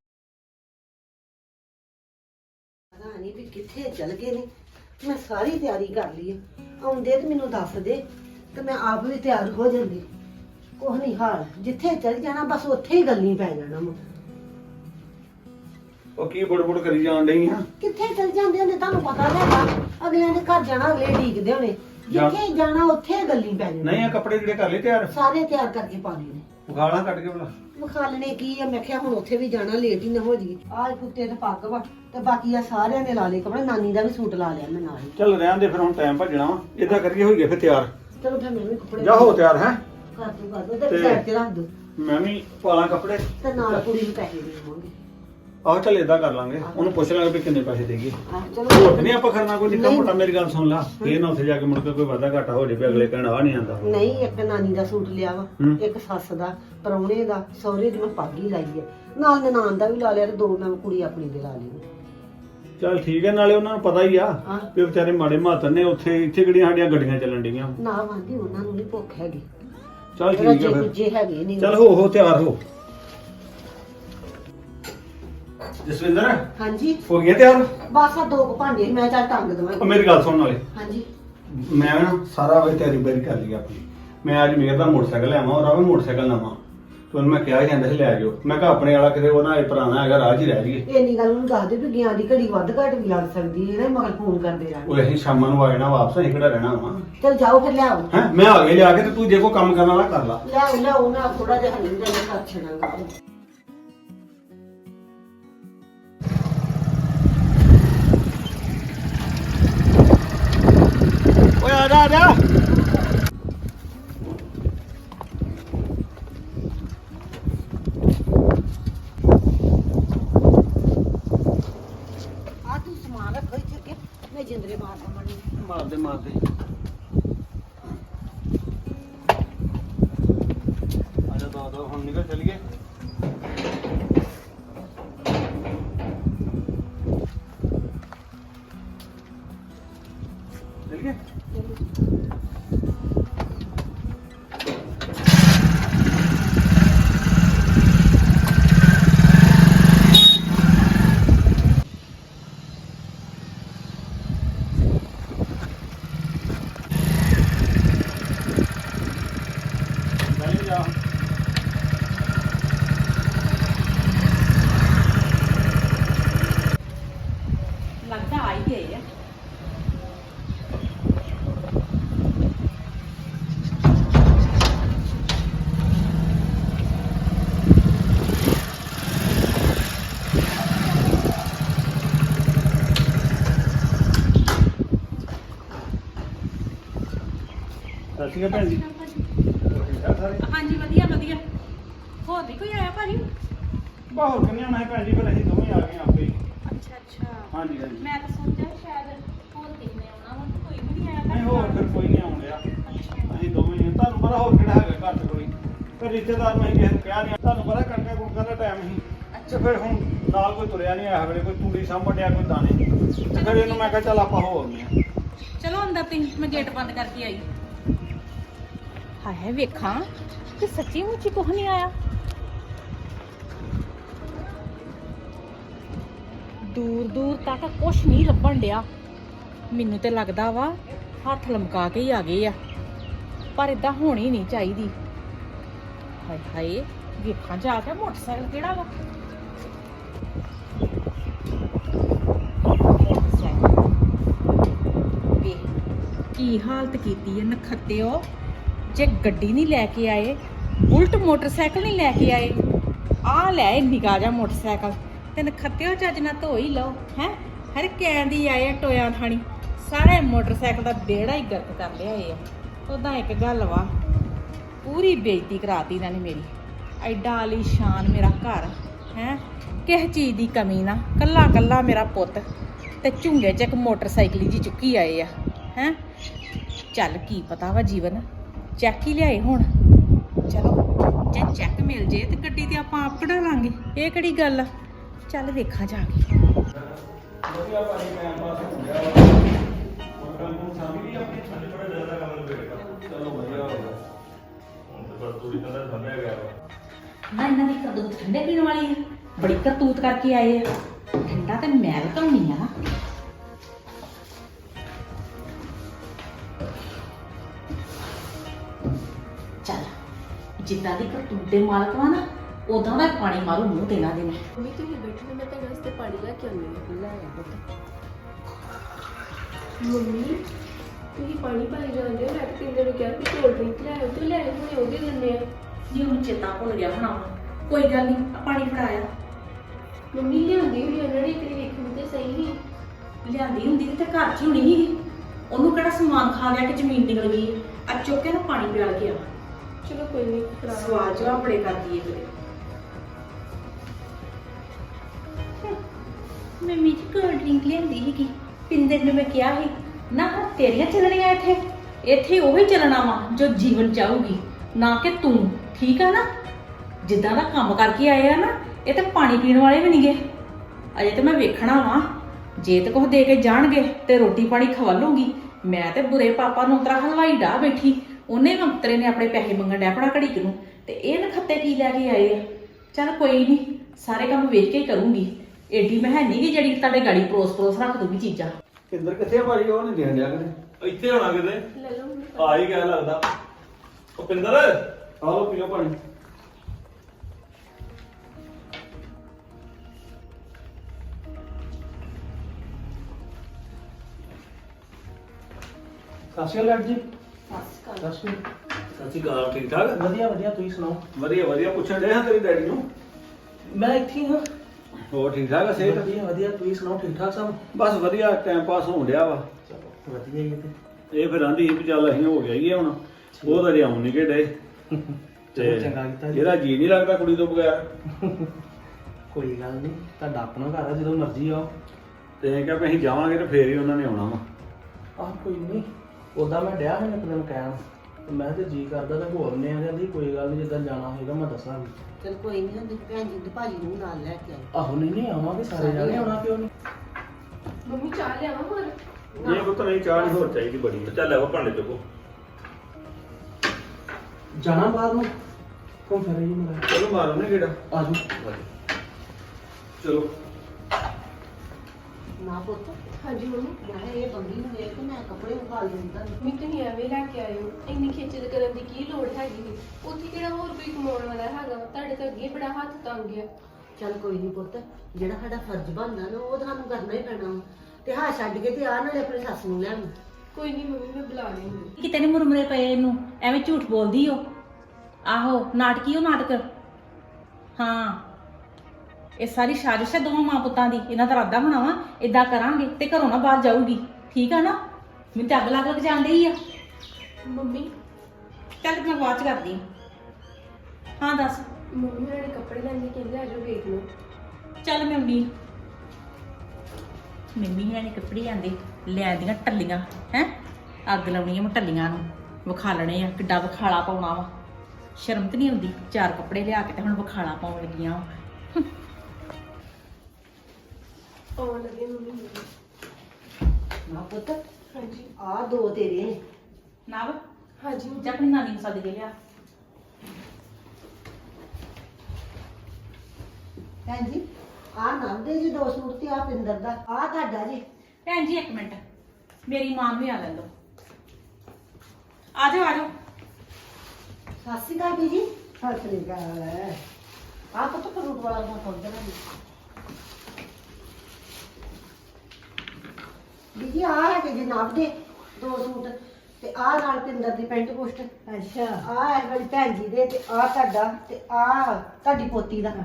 Speaker 3: ਪਤਾ ਨਹੀਂ ਵੀ ਕਿੱਥੇ ਚਲ ਗਏ ਨੇ। ਮੈਂ ਸਾਰੀ ਤਿਆਰੀ ਕਰ ਲਈ ਆ, ਆਉਂਦੇ ਤੇ ਮੈਨੂੰ ਦੱਸ ਦੇ ਤੇ ਮੈਂ ਆਪ ਵੀ ਤਿਆਰ ਹੋ ਜਾਂਦੀ। ਕੁਛ ਨਹੀਂ ਹਾਲ, ਜਿੱਥੇ ਚਲ ਜਾਣਾ ਬਸ ਉੱਥੇ ਹੀ ਗੱਲੀ ਪੈ ਜਾਣਾ ਵਾ।
Speaker 4: ਉਹ ਕੀ ਬੜਬੜ ਕਰੀ ਜਾਣ ਡਈ ਆ?
Speaker 3: ਕਿੱਥੇ ਚਲ ਜਾਂਦੇ ਨੇ, ਤੁਹਾਨੂੰ ਪਤਾ ਹੈਗਾ। ਅਗਲਿਆਂ ਨੇ ਘਰ ਜਾਣਾ, ਅਗਲੇ ਢੀਕਦੇ ਹੋਣੇ। ਜਿੱਥੇ ਜਾਣਾ ਉੱਥੇ ਗੱਲੀ ਪੈ ਜਾਣੀ।
Speaker 4: ਨਹੀਂ, ਆ ਕੱਪੜੇ ਜਿਹੜੇ ਕਰ ਲਏ ਤਿਆਰ,
Speaker 3: ਸਾਰੇ ਤਿਆਰ ਕਰਕੇ ਪਾ ਲਏ ਨੇ।
Speaker 4: ਗਾਲਾਂ ਕੱਢ ਕੇ ਬਣਾ।
Speaker 3: ਵਿਖਾਲਣੇ ਕੀ ਆ, ਮੈਂ ਕਿਹਾ ਹੁਣ ਉੱਥੇ ਵੀ ਜਾਣਾ, ਲੇਟ ਹੀ ਨਾ ਹੋ ਜੀ। ਆਹ ਕੁੱਤੇ ਤੇ ਪੱਗ ਵਾ, ਤੇ ਬਾਕੀ ਆ ਸਾਰਿਆਂ ਨੇ ਲਾ ਲਏ ਕੱਪੜੇ। ਨਾਨੀ ਦਾ ਵੀ ਸੂਟ ਲਾ ਲਿਆ ਮੈਂ ਨਾਲ ਹੀ।
Speaker 4: ਚੱਲ ਰਹਿਣ ਦੇ ਫਿਰ, ਹੁਣ ਟਾਈਮ ਭੱਜਣਾ ਵਾ। ਇਦਾਂ ਕਰਕੇ ਹੋਈ ਗਏ ਫਿਰ ਤਿਆਰ।
Speaker 3: ਚਲੋ ਫਿਰ ਮੈਂ ਵੀ ਕੱਪੜੇ
Speaker 4: ਜਾ ਹੋ ਤਿਆਰ ਹੈ।
Speaker 3: ਕਰ ਦੋ ਤੇ ਸਾਈਡ ਤੇ ਰੱਖ ਦੋ,
Speaker 4: ਮੈਂ ਵੀ ਪਾਲਾਂ ਕੱਪੜੇ।
Speaker 3: ਤੇ ਨਾਲ ਕੁੜੀ ਨੂੰ ਪੈਸੇ ਦੇ ਦੇਵਾਂਗੇ।
Speaker 4: ਆਹ ਚੱਲ ਇਦਾਂ ਕਰ ਲਾਂਗੇ, ਉਹਨੂੰ ਪੁੱਛ ਲਾਂਗੇ ਵੀ ਕਿੰਨੇ ਪੈਸੇ ਦੇਗੀ।
Speaker 3: ਆਹ ਚਲੋ
Speaker 4: ਹੋਰ ਨਹੀਂ ਆਪਾਂ ਕਰਨਾ ਕੋਈ ਨਿੱਕਾ ਮੋਟਾ। ਮੇਰੀ ਗੱਲ ਸੁਣ ਲਾ, ਇਹ ਨਾ ਉੱਥੇ ਜਾ ਕੇ ਮੁੜ ਕੇ ਕੋਈ ਵਾਧਾ ਘਾਟਾ ਹੋ ਜਾਵੇ, ਅਗਲੇ ਕਹਿਣ ਆ ਨਹੀਂ ਆਂਦਾ।
Speaker 3: ਨਹੀਂ, ਇੱਕ ਨਾਨੀ ਦਾ ਸੂਟ ਲਿਆ ਵਾ, ਇੱਕ ਸੱਸ ਦਾ, ਪ੍ਰਾਹੁਣੇ ਦਾ, ਸਹੁਰੇ ਦੀ ਮੈਂ ਪੱਗ ਹੀ ਲਾਈ ਹੈ, ਨਾਲ ਨਨਾਣ ਦਾ ਵੀ ਲਾ ਲਿਆ, ਤੇ ਦੋ ਮੈਂ ਕੁੜੀ ਆਪਣੀ ਦੇ ਲਾ ਲਈ।
Speaker 4: ਚੱਲ ਠੀਕ ਹੈ, ਨਾਲੇ ਉਹਨਾਂ ਨੂੰ ਪਤਾ ਹੀ ਆ ਵੀ ਵਿਚਾਰੇ ਮਾੜੇ ਮਾਤਰ ਨੇ, ਉੱਥੇ ਇੱਥੇ ਕਿਹੜੀਆਂ ਸਾਡੀਆਂ ਗੱਡੀਆਂ ਚੱਲਣ ਡੀਆਂ।
Speaker 3: ਨਾ ਵਾਂਦੀ ਉਹਨਾਂ ਨੂੰ ਨਹੀਂ ਭੁੱਖ ਹੈਗੀ।
Speaker 4: ਚੱਲ ਠੀਕ ਹੈ ਫਿਰ,
Speaker 3: ਦੂਜੇ ਹੈਗੇ ਨਹੀਂ।
Speaker 4: ਚੱਲ ਹੋ ਤਿਆਰ ਹੋ। ਜਸਵਿੰਦਰ
Speaker 3: ਹਾਂਜੀ
Speaker 4: ਹੋ ਗਿਆ ਤਿਆਰ?
Speaker 3: ਬਸ ਆ ਦੋ ਕੁ ਭਾਂਡੇ ਸੀ, ਮੈਂ ਚੱਲ ਟੰਗ ਦਵਾਂ।
Speaker 4: ਉਹ ਮੇਰੀ ਗੱਲ ਸੁਣਨ ਵਾਲੇ,
Speaker 3: ਹਾਂਜੀ
Speaker 4: ਮੈਂ ਨਾ ਸਾਰਾ ਵੇ ਤਿਆਰੀ ਬੈਰੀ ਕਰ ਲਈ ਆਪਣੀ। ਮੈਂ ਅੱਜ ਮੇਰ ਦਾ ਮੋਟਰਸਾਈਕਲ ਲਿਆਵਾਂ, ਔਰ ਆਵੇ ਮੋਟਰਸਾਈਕਲ ਨਵਾਂ। ਤੁਹਾਨੂੰ ਮੈਂ ਕਿਹਾ ਜਾਂਦਾ ਸੀ ਲੈ ਜਾਓ। ਮੈਂ ਕਿਹਾ ਆਪਣੇ ਵਾਲਾ ਕਿਤੇ ਉਹ ਨਾ ਪੁਰਾਣਾ ਹੈਗਾ, ਰਾਹ 'ਚ ਹੀ ਰਹਿ ਜਾਈਏ।
Speaker 3: ਇੰਨੀ ਗੱਲ ਨੂੰ ਦੱਸ ਦੇ ਵੀ ਗਿਆ ਦੀ ਘੜੀ ਵੱਧ ਘੱਟ ਵੀ ਲੱਗ ਸਕਦੀ ਹੈ, ਮਗਰ ਫੋਨ ਕਰਦੇ ਰਹਿਣਾ।
Speaker 4: ਉਹ ਅਸੀਂ ਸ਼ਾਮਾਂ ਨੂੰ ਆ ਜਾਣਾ ਵਾਪਸ, ਅਸੀਂ ਕਿਹੜਾ ਰਹਿਣਾ ਵਾ।
Speaker 3: ਚਲ ਜਾਓ ਫਿਰ ਲਿਆਓ।
Speaker 4: ਹੈ ਮੈਂ ਆ ਗਿਆ ਲਿਆ ਕੇ, ਤੇ ਤੂੰ ਜੇ ਕੋਈ ਕੰਮ ਕਰਨ ਵਾਲਾ ਕਰ ਲਾ।
Speaker 3: ਲਿਆਓ ਮੈਂ ਥੋੜਾ ਜਿਹਾ ਹਲੀ ਦਾ ਕਰ ਛੜਾਂਗਾ।
Speaker 4: ਓਏ ਆ ਜਾ ਆ ਜਾ।
Speaker 3: ਆ ਤੂੰ ਸਮਾਨ ਰੱਖੋ ਇੱਥੇ ਕਿ ਮੈਂ ਜਿੰਦਰੇ ਮਾਰਦਾ ਮਣੀ।
Speaker 4: ਮਾਰਦੇ ਮਾਰਦੇ ਆ ਜਾ। ਦੋ ਹੁਣ ਨਿਕਲ ਚਲੀਏ। ਚਲੀਏ।
Speaker 1: ਲੱਗਦਾ ਆ ਹੀ ਗਏ ਆ।
Speaker 4: ਸਤਿ ਸ਼੍ਰੀ ਅਕਾਲ ਭੈਣ ਜੀ।
Speaker 6: ਹਾਂਜੀ ਵਧੀਆ ਵਧੀਆ। ਹੋਰ ਵੀ
Speaker 1: ਕੋਈ ਆਇਆ ਭਾਜੀ?
Speaker 4: ਬਾਹਰ ਕਿੰਨੇ ਆਣਾ ਹੈ ਭੈਣ ਜੀ, ਫਿਰ ਅਸੀਂ ਦੋਵੇਂ ਆ ਗਏ ਆਪੇ ਹੀ।
Speaker 1: ਅੱਛਾ ਅੱਛਾ,
Speaker 4: ਹਾਂਜੀ ਹਾਂਜੀ।
Speaker 1: ਮੈਂ ਤਾਂ ਸੋਚਿਆ ਸ਼ਾਇਦ ਹੋਰ ਕਿੰਨੇ ਆਉਣਾ ਵਾ, ਕੋਈ ਵੀ ਨਹੀਂ ਆਇਆ
Speaker 4: ਨਹੀਂ ਹੋਰ ਫਿਰ ਕੋਈ ਨਹੀਂ ਆਉਣ ਡਿਆ, ਅਸੀਂ ਦੋਵੇਂ ਹੀ ਹਾਂ। ਤੁਹਾਨੂੰ ਪਤਾ ਹੋਰ ਕਿਹੜਾ ਹੈਗਾ ਘਰ 'ਚ ਕੋਈ, ਫਿਰ ਰਿਸ਼ਤੇਦਾਰ ਨੂੰ ਅਸੀਂ ਕਿਸੇ ਨੂੰ ਕਿਹਾ ਨਹੀਂ। ਤੁਹਾਨੂੰ ਪਤਾ ਕਣਕਾਂ ਕੁਣਕਾਂ ਦਾ ਟਾਈਮ ਸੀ ਤੇ ਫਿਰ ਹੁਣ ਨਾਲ ਕੋਈ ਤੁਰਿਆ ਨਹੀਂ ਆਇਆ ਵੇਲੇ, ਕੋਈ ਤੂੜੀ ਸਾਂਭਣ ਡਿਆ, ਕੋਈ ਦਾਣੇ, ਤੇ ਫਿਰ ਇਹਨੂੰ ਮੈਂ ਕਿਹਾ ਚੱਲ ਆਪਾਂ ਹੋ ਆਉਂਦੇ ਹਾਂ।
Speaker 1: ਚਲੋ ਅੰਦਰ ਤੁਸੀਂ, ਮੈਂ ਗੇਟ ਬੰਦ ਕਰਕੇ ਆਈ। ਹਾਏ ਵੇਖਾਂ ਕਿ ਸੱਚੀ ਮੁੱਚੀ ਕੁਝ ਨਹੀਂ ਆਇਆ। ਦੂਰ ਦੂਰ ਤੱਕ ਕੁਝ ਨਹੀਂ ਲੱਭਣ ਡਿਆ। ਮੈਨੂੰ ਤੇ ਲੱਗਦਾ ਵਾ ਹੱਥ ਲਮਕਾ ਕੇ ਹੀ ਆ ਗਏ ਆ, ਪਰ ਇਦਾਂ ਹੋਣੀ ਨਹੀਂ ਚਾਹੀਦੀ। ਹਾਏ ਹਾਏ ਵੇਖਾਂ ਜਾ ਕੇ ਮੋਟਰਸਾਈਕਲ ਕਿਹੜਾ ਵਾ। ਵੇਖ ਕੀ ਹਾਲਤ ਕੀਤੀ ਹੈ ਨਖੱਤਿਓ। ਜੇ ਗੱਡੀ ਨਹੀਂ ਲੈ ਕੇ ਆਏ, ਬੁਲਟ ਮੋਟਰਸਾਈਕਲ ਨਹੀਂ ਲੈ ਕੇ ਆਏ, ਆਹ ਲੈ ਨਿੱਕਾ ਜਿਹਾ ਮੋਟਰਸਾਈਕਲ ਤੇ ਨਖੱਤਿਓ ਚੱਜ ਨਾਲ ਧੋ ਹੀ ਲਓ ਹੈ। ਹਰ ਕਹਿੰਦੀ ਆਏ ਟੋਇਆਂ ਥਾਣੀ ਸਾਰੇ ਮੋਟਰਸਾਈਕਲ ਦਾ ਬੇੜਾ ਹੀ ਗਰਕ ਕਰ ਲਿਆ ਆ। ਉਦਾਂ ਇੱਕ ਗੱਲ ਵਾ, ਪੂਰੀ ਬੇਇੱਜ਼ਤੀ ਕਰਾਤੀ ਇਹਨਾਂ ਨੇ ਮੇਰੀ। ਐਡਾ ਆਲੀਸ਼ਾਨ ਮੇਰਾ ਘਰ ਹੈ, ਕਿਸੇ ਚੀਜ਼ ਦੀ ਕਮੀ ਨਾ, ਕੱਲਾ ਕੱਲਾ ਮੇਰਾ ਪੁੱਤ ਤੇ ਝੁੰਗੇ 'ਚ ਇੱਕ ਮੋਟਰਸਾਈਕਲ ਜੀ ਚੁੱਕੀ ਆਏ ਆ ਹੈ। ਚੱਲ ਕੀ ਪਤਾ ਵਾ ਜੀਵਨ, ਚੈੱਕ ਹੀ ਲਿਆਏ ਹੁਣ। ਚਲੋ ਜੇ ਚੈੱਕ ਮਿਲ ਜੇ ਤੇ ਗੱਡੀ ਤੇ ਆਪਾਂ ਆਪ ਕਢਾ ਲਾਂਗੇ, ਇਹ ਕਿਹੜੀ ਗੱਲ ਆ। ਚੱਲ ਵੇਖਾਂ ਜਾ ਕੇ।
Speaker 4: ਵਧੀਆ ਭਾਜੀ ਟਾਈਮ ਪਾਸ ਹੋ ਗਿਆ ਵਾ। ਹੁਣ ਕੰਮ ਨੂੰ ਸਾਂਭੀ ਵੀ ਆਪਣੀ ਛੱਡ ਬੜੇ ਦਿਲ ਦਾ ਕੰਮ ਬੇੜਦਾ। ਚਲੋ ਵਧੀਆ ਹੋ ਗਿਆ। ਹੁਣ ਤੇ ਬਸ ਤੂੜੀ ਤਾਂ ਠੰਡਾ ਗਿਆ ਵਾ।
Speaker 1: ਨਾ ਇਹਨਾਂ ਦੀ ਕਰਤੂਤ ਠੰਡੇ ਪੀਣ ਵਾਲੀ ਹੈ, ਬੜੀ ਕਰਤੂਤ ਕਰਕੇ ਆਏ ਆ। ਠੰਡਾ ਤੇ ਮੈਂ ਲਕਾਉਣੀ ਆ ਨਾ। ਚੱਲ ਜਿੱਦਾਂ ਦੀ ਕਰਤੂਤ ਦੇ ਮਾਲਕ ਵਾ ਨਾ, ਉਦਾਂ ਦਾ ਪਾਣੀ ਮਾਰੂ ਮੂੰਹ ਤੇ ਇਹਨਾਂ ਦੇ ਮੈਂ।
Speaker 6: ਮੰਮੀ ਤੁਸੀਂ ਬੈਠੋ, ਮੈਂ ਤੁਹਾਡੇ ਵਾਸਤੇ ਪਾਣੀ ਲੈ ਕੇ ਆਉਂਦੀ ਹਾਂ।
Speaker 1: ਲੈ ਆ ਪੁੱਤ।
Speaker 6: ਮੰਮੀ ਤੁਸੀਂ ਪਾਣੀ ਪਾਈ ਜਾਂਦੇ ਹੋ, ਮੈਂ ਤਾਂ ਪਿੰਦਰ ਨੂੰ ਕਿਹਾ ਕਿ ਕੋਲਡ ਡਰਿੰਕ ਲੈ ਆਓ, ਤੂੰ ਲੈ ਆਏ ਹੁਣੇ ਉਹਦੇ ਦਿੰਦੇ ਆ।
Speaker 1: ਜੀ ਉਹਨੂੰ ਚੇਤਾ ਭੁੱਲ ਗਿਆ ਹੋਣਾ ਵਾ। ਕੋਈ ਗੱਲ ਨਹੀਂ, ਆ ਪਾਣੀ ਫੜਾਇਆ।
Speaker 6: ਮੰਮੀ ਲਿਆਂਦੀ ਹੋਈ ਉਹਨਾਂ ਨੇ, ਇੱਕ ਵਾਰੀ ਵੇਖਣ ਤੇ ਸਹੀ ਨਹੀਂ।
Speaker 1: ਲਿਆਂਦੀ ਹੁੰਦੀ ਤੇ ਘਰ 'ਚ ਹੀ ਹੋਣੀ ਸੀਗੀ। ਉਹਨੂੰ ਕਿਹੜਾ ਸਮਾਨ ਖਾ ਗਿਆ ਕਿ ਜ਼ਮੀਨ ਨਿਕਲ ਗਈ ਹੈ। ਆ ਚੁੱਕ ਕੇ ਨਾ ਪਾਣੀ ਪਿਆ ਗਿਆ।
Speaker 6: ਚਲੋ ਕੋਈ ਨਹੀਂ, ਫੜਾ
Speaker 1: ਸਵਾਲ ਜਵਾਬ ਬੜੇ ਕਰਦੀ ਹੈ ਫਿਰ। ਮੰਮੀ ਜੀ ਕੋਲਡ ਡਰਿੰਕ ਲਿਆਂਦੀ ਸੀਗੀ, ਪਿੰਦਰ ਨੂੰ ਮੈਂ ਕਿਹਾ ਸੀ ਨਾ ਤੇਰੀਆਂ ਚੱਲਣੀਆਂ ਇੱਥੇ, ਇੱਥੇ ਉਹ ਹੀ ਚੱਲਣਾ ਵਾ ਜੋ ਜੀਵਨ ਚਾਹੂਗੀ, ਨਾ ਕਿ ਤੂੰ। ਠੀਕ ਆ ਨਾ, ਜਿੱਦਾਂ ਦਾ ਕੰਮ ਕਰਕੇ ਆਏ ਆ ਨਾ, ਇਹ ਤਾਂ ਪਾਣੀ ਪੀਣ ਵਾਲੇ ਵੀ ਨਹੀਂਗੇ। ਅਜੇ ਤਾਂ ਮੈਂ ਵੇਖਣਾ ਵਾ, ਜੇ ਤੇ ਕੁਝ ਦੇ ਕੇ ਜਾਣਗੇ ਤੇ ਰੋਟੀ ਪਾਣੀ ਖਵਾ ਲੂੰਗੀ ਮੈਂ। ਤੇ ਬੁਰੇ ਪਾਪਾ ਨੂੰ ਤਰਾ ਹਲਵਾਈ ਡਾ ਬੈਠੀ, ਉਹਨੇ ਮੰਤਰੇ ਨੇ ਆਪਣੇ ਪੈਸੇ ਮੰਗਣ ਡਿਆ ਪੜਾ ਘੜੀ ਨੂੰ, ਤੇ ਇਹ ਨਖੱਤੇ ਕੀ ਲੈ ਕੇ ਆਏ ਆ। ਚੱਲ ਕੋਈ ਨਹੀਂ, ਸਾਰੇ ਕੰਮ ਵੇਖ ਕੇ ਹੀ ਕਰੂੰਗੀ। ਏਡੀ ਮੈਂ ਹੈ ਨਹੀਂ ਕਿ ਜਿਹੜੀ ਤੁਹਾਡੇ ਗਾੜੀ ਪਰੋਸ ਰੱਖ ਦੂੰਗੀ ਚੀਜ਼ਾਂ।
Speaker 4: ਕਿੰਦਰ ਕਿੱਥੇ ਆ ਭਾਜੀ? ਉਹ ਨਹੀਂ ਦੇਣ ਡਿਆ ਕਿਤੇ।
Speaker 7: ਇੱਥੇ ਹੋਣਾ ਕਿਤੇ,
Speaker 6: ਲੈ ਲਓ ਮੰਮੀ।
Speaker 7: ਆ ਹੀ ਗਿਆ ਲੱਗਦਾ। ਉਹ ਪਿੰਦਰ,
Speaker 4: ਆਓ ਪੀਓ ਪਾਣੀ।
Speaker 8: ਸਤਿ ਸ਼੍ਰੀ ਅਕਾਲ ਜੀ।
Speaker 6: ਸਤਿ
Speaker 8: ਸਤਿ ਸ਼੍ਰੀ
Speaker 7: ਸਤਿ ਸ਼੍ਰੀ ਅਕਾਲ, ਠੀਕ ਠਾਕ?
Speaker 8: ਵਧੀਆ ਵਧੀਆ, ਤੁਸੀਂ ਸੁਣਾਓ।
Speaker 7: ਵਧੀਆ ਵਧੀਆ, ਪੁੱਛਣ ਡਿਆ ਤੇਰੀ ਡੈਡੀ ਨੂੰ।
Speaker 8: ਮੈਂ ਇੱਥੇ ਹੀ ਹਾਂ।
Speaker 4: ਹੋਰ ਠੀਕ ਠਾਕ ਆ ਸਿਹਤ?
Speaker 8: ਵਧੀਆ ਵਧੀਆ, ਤੁਸੀਂ ਸੁਣਾਓ, ਠੀਕ ਠਾਕ ਸਭ?
Speaker 4: ਬਸ ਵਧੀਆ, ਟਾਈਮ ਪਾਸ ਹੋਣ ਡਿਆ ਵਾ।
Speaker 8: ਚਲੋ ਵਧੀਆ ਹੀ ਹੈ ਤੇ।
Speaker 4: ਇਹ ਫਿਰ ਆਂਦੀ ਸੀ ਵੀ ਚੱਲ ਅਸੀਂ ਹੋ ਗਿਆ ਹੀ ਹੁਣ। ਉਹ ਤਾਂ ਜੇ ਆਉਣ ਨਹੀਂ ਡੇ
Speaker 8: ਚਲੋ ਚੰਗਾ ਕੀਤਾ ਜੀ।
Speaker 4: ਇਹਦਾ ਜੀ ਨਹੀਂ ਲੱਗਦਾ ਕੁੜੀ ਤੋਂ ਬਗੈਰ।
Speaker 8: ਕੋਈ ਗੱਲ ਨਹੀਂ, ਤੁਹਾਡਾ ਆਪਣਾ ਘਰ ਆ, ਜਦੋਂ ਮਰਜ਼ੀ ਆਓ।
Speaker 4: ਤੇ ਇਹ ਕਿਹਾ ਵੀ ਅਸੀਂ ਜਾਵਾਂਗੇ ਤੇ ਫੇਰ ਹੀ ਉਹਨਾਂ ਨੇ ਆਉਣਾ ਵਾ।
Speaker 8: ਆਹ ਕੋਈ ਨਹੀਂ, ਉਦਾਂ ਮੈਂ ਡਿਆ ਹਾਂ ਇੱਕ ਦਿਨ ਕਹਿਣ, ਤੇ ਮੈਂ ਤੇ ਜੀ ਕਰਦਾ ਤੇ ਹੋਰ ਨੇ ਆ ਜਾਂਦੀ। ਕੋਈ ਗੱਲ ਨਹੀਂ, ਜਿੱਦਾਂ ਜਾਣਾ ਹੋਏਗਾ ਮੈਂ ਦੱਸਾਂਗੀ।
Speaker 3: ਚਲ ਕੋਈ ਨਹੀਂ ਹੁੰਦੀ, ਭੈਣ ਜੀ ਤੇ ਭਾਜੀ ਨੂੰ ਵੀ ਨਾਲ ਲੈ ਕੇ ਆਈ।
Speaker 8: ਆਹੋ ਨਹੀਂ ਨਹੀਂ, ਆਵਾਂਗੇ ਸਾਰੇ ਜਾਣੇ, ਆਉਣਾ ਕਿਉਂ ਨਹੀਂ।
Speaker 6: ਮੰਮੀ ਚਾਹ ਲਿਆਵਾਂ ਹੋਰ?
Speaker 4: ਇਹ ਪੁੱਤ ਨਹੀਂ, ਚਾਹ ਨਹੀਂ ਹੋਰ ਚਾਹੀਦੀ ਬੜੀ।
Speaker 7: ਚੱਲ ਆਓ ਭਾਂਡੇ ਚੁੱਕੋ।
Speaker 8: ਜਾਣਾ ਬਾਹਰ ਨੂੰ, ਘੁੰਮ ਫਿਰ ਆਈਏ ਮੇਰਾ।
Speaker 4: ਚਲੋ ਮਾਰੋ ਨਾ ਗੇੜਾ।
Speaker 8: ਆਜੋ।
Speaker 4: ਚਲੋ
Speaker 3: ਨਾ ਪੁੱਤ,
Speaker 6: ਹਾਂਜੀ ਮੰਮੀ।
Speaker 3: ਮੈਂ ਕਿਹਾ ਇਹ ਬੰਦੀ ਨੂੰ ਵੇਖ ਕੇ ਮੈਂ ਕੱਪੜੇ ਉਖਾਲ ਦਿੰਦਾ।
Speaker 6: ਮੰਮੀ ਤੁਸੀਂ ਐਵੇਂ ਲੈ ਕੇ ਆਏ ਹੋ, ਇੰਨੀ ਖੇਚਲ ਕਰਨ ਦੀ ਕੀ ਲੋੜ ਹੈਗੀ ਸੀ? ਉੱਥੇ ਕਿਹੜਾ ਹੋਰ ਕੋਈ ਕਮਾਉਣ ਵਾਲਾ ਹੈਗਾ ਵਾ? ਤੁਹਾਡੇ ਤਾਂ ਅੱਗੇ ਬੜਾ ਹੱਥ ਤੰਗ ਗਿਆ।
Speaker 3: ਚੱਲ ਕੋਈ ਨਹੀਂ ਪੁੱਤ, ਜਿਹੜਾ ਸਾਡਾ ਫਰਜ਼ ਬਣਦਾ ਨਾ ਉਹ ਤੁਹਾਨੂੰ ਕਰਨਾ ਹੀ ਪੈਣਾ ਵਾ। ਤੇ ਹਾਂ ਛੱਡ ਕੇ ਤੇ ਆ ਨਾਲੇ ਆਪਣੀ ਸੱਸ ਨੂੰ ਲੈ ਆਵੀਂ।
Speaker 6: ਕੋਈ ਨਹੀਂ ਮੰਮੀ, ਮੈਂ ਬੁਲਾ ਲੈਂਦੀ।
Speaker 1: ਕਿਤੇ ਨਹੀਂ ਮੁਰਮਰੇ ਪਏ ਇਹਨੂੰ, ਐਵੇਂ ਝੂਠ ਬੋਲਦੀ ਓ। ਆਹੋ ਨਾਟਕੀ ਉਹ ਨਾਟਕ। ਹਾਂ ਇਹ ਸਾਰੀ ਸਾਜ਼ਿਸ਼ ਹੈ ਦੋਵਾਂ ਮਾਂ ਪੁੱਤਾਂ ਦੀ। ਇਹਨਾਂ ਦਾ ਇਰਾਦਾ ਹੋਣਾ ਵਾ ਇਦਾਂ ਕਰਾਂਗੇ ਤੇ ਘਰੋਂ ਨਾ ਬਾਹਰ ਜਾਊਗੀ। ਠੀਕ ਆ ਨਾ, ਮੈਨੂੰ ਤਾਂ ਅੱਗ ਲੱਗ ਜਾਂਦੀ ਹੀ ਆ।
Speaker 6: ਮੰਮੀ
Speaker 1: ਚੱਲ ਮੈਂ ਬਾਅਦ ਚ ਕਰਦੀ ਹਾਂ। ਹਾਂ ਦੱਸ।
Speaker 6: ਮੰਮੀ ਹੋਰਾਂ ਨੇ ਕੱਪੜੇ ਲੈਣੇ ਕਹਿੰਦੇ ਆਜੋ ਵੇਖ ਲਓ।
Speaker 1: ਚੱਲ ਮੈਂ ਆਉਂਦੀ ਆਂ। ਮੰਮੀ ਇਹਨਾਂ ਨੇ ਕੱਪੜੇ ਆਂਦੇ ਲੈ ਦੀਆਂ ਟੱਲੀਆਂ ਹੈ ਅੱਗ ਲਾਉਣੀ ਆ ਮੈਂ ਟੱਲੀਆਂ ਨੂੰ ਵਿਖਾਲਣੇ ਆ ਕਿੱਡਾ ਵਿਖਾਲਾ ਪਾਉਣਾ ਵਾ ਸ਼ਰਮ ਤੇ ਨਹੀਂ ਆਉਂਦੀ 4 ਕੱਪੜੇ ਲਿਆ ਕੇ ਤੇ ਹੁਣ ਵਿਖਾਲਾ ਪਾਉਣ ਲੱਗੀਆਂ ਵਾਂ।
Speaker 6: ਆਉਣ ਲੱਗੇ ਮੰਮੀ।
Speaker 3: ਨਾ ਪੁੱਤ
Speaker 6: ਹਾਂਜੀ
Speaker 3: ਆ 2 ਤੇਰੇ ਨੇ।
Speaker 1: ਨਾਵ
Speaker 6: ਹਾਂਜੀ
Speaker 1: ਜਾ ਆਪਣੀ ਨਾਨੀ ਨੂੰ ਸੱਦ ਕੇ ਲਿਆ।
Speaker 3: ਭੈਣ ਜੀ ਆ ਨੰਦੇ ਜੀ 2 ਸੂਟ ਤੇ ਆ ਪਿੰਦਰ ਦਾ ਆ ਤੁਹਾਡਾ ਜੀ।
Speaker 1: ਭੈਣ ਜੀ 1 ਮਿੰਟ ਮੇਰੀ ਮਾਂ ਨੂੰ ਵੀ ਆ ਲੈਣ ਦਿਓ। ਆ ਜਾਓ ਆ ਜਾਓ।
Speaker 3: ਸਤਿ ਸ਼੍ਰੀ ਅਕਾਲ ਬੀਜੀ।
Speaker 5: ਸਤਿ ਸ੍ਰੀ ਅਕਾਲ।
Speaker 3: ਆ ਪੁੱਤ ਫਰੂਟ ਵਾਲਾ ਨੂੰ ਖੋਲ ਦੇਣਾ ਜੀ। ਬੀਜੀ ਆ ਹੈਗੇ ਜੀ ਨਾਪ ਦੇ 2 ਸੂਟ ਤੇ ਆ ਨਾਲ ਪਿੰਦਰ ਦੀ ਪੈਂਟ ਕੋਸਟ।
Speaker 5: ਅੱਛਾ
Speaker 3: ਆ ਹੈ ਵਾਲੀ ਭੈਣ ਜੀ ਦੇ ਤੇ ਆ ਤੁਹਾਡਾ ਤੇ ਆ ਤੁਹਾਡੀ ਪੋਤੀ ਦਾ।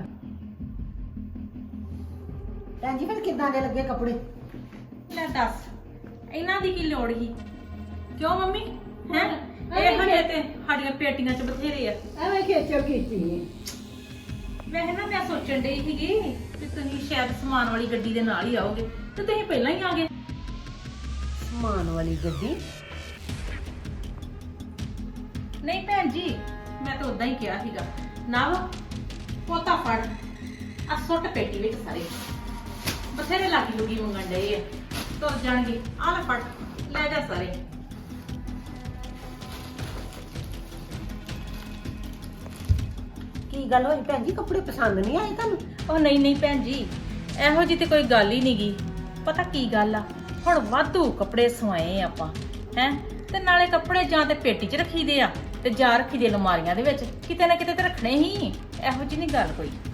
Speaker 3: ਭੈਣ ਜੀ ਫਿਰ ਕਿੱਦਾਂ ਦੇ ਲੱਗੇ ਕੱਪੜੇ?
Speaker 1: ਲੈ ਦੱਸ ਇਹਨਾਂ ਦੀ ਕੀ ਲੋੜ ਸੀ ਕਿਉਂ ਮੰਮੀ ਹੈ ਇਹ ਹਲੇ ਤੇ ਸਾਡੀਆਂ ਪੇਟੀਆਂ 'ਚ ਬਥੇਰੇ ਆ।
Speaker 5: ਐਵੇਂ ਖੇਚਲ ਕੀਤੀ।
Speaker 1: ਵੈਸੇ ਨਾ ਮੈਂ ਸੋਚਣ ਡਈ ਸੀਗੀ ਕਿ ਤੁਸੀਂ ਸ਼ਾਇਦ ਸਮਾਨ ਵਾਲੀ ਗੱਡੀ ਦੇ ਨਾਲ ਹੀ ਆਓਗੇ ਤੇ ਤੁਸੀਂ ਪਹਿਲਾਂ ਹੀ ਆ ਗਏ।
Speaker 3: ਸਮਾਨ ਵਾਲੀ ਗੱਡੀ?
Speaker 1: ਨਹੀਂ ਭੈਣ ਜੀ ਮੈਂ ਤਾਂ ਉਦਾਂ ਹੀ ਕਿਹਾ ਸੀਗਾ ਨਵ ਪੋਤਾ ਫੜ ਆ ਸੁੱਟ ਪੇਟੀ ਵਿੱਚ ਸਾਰੇ ਬਥੇਰੇ ਲਾਗੀ ਲੁਗੀ ਮੰਗਣ ਡਏ ਆ ਤੁਰ ਜਾਣਗੇ ਆ ਲੈ ਫੜ ਲੈ ਜਾ ਸਾਰੇ।
Speaker 3: ਕੀ ਗੱਲ ਹੋਈ ਭੈਣ ਜੀ ਕੱਪੜੇ ਪਸੰਦ ਨਹੀਂ ਆਏ ਤੁਹਾਨੂੰ?
Speaker 1: ਉਹ ਨਹੀਂ ਨਹੀਂ ਭੈਣ ਜੀ ਇਹੋ ਜੀ ਤੇ ਕੋਈ ਗੱਲ ਹੀ ਨਹੀਂਗੀ। ਪਤਾ ਕੀ ਗੱਲ ਆ ਹੁਣ ਵਾਧੂ ਕੱਪੜੇ ਸਵਾਏ ਆਪਾਂ ਹੈ ਤੇ ਨਾਲੇ ਕੱਪੜੇ ਜਾਂ ਤੇ ਪੇਟੀ 'ਚ ਰੱਖੀਦੇ ਆ ਤੇ ਜਾਂ ਰੱਖੀਦੇ ਅਲਮਾਰੀਆਂ ਦੇ ਵਿੱਚ ਕਿਤੇ ਨਾ ਕਿਤੇ ਤੇ ਰੱਖਣੇ ਹੀ ਇਹੋ ਜੀ ਨਹੀਂ ਗੱਲ ਕੋਈ।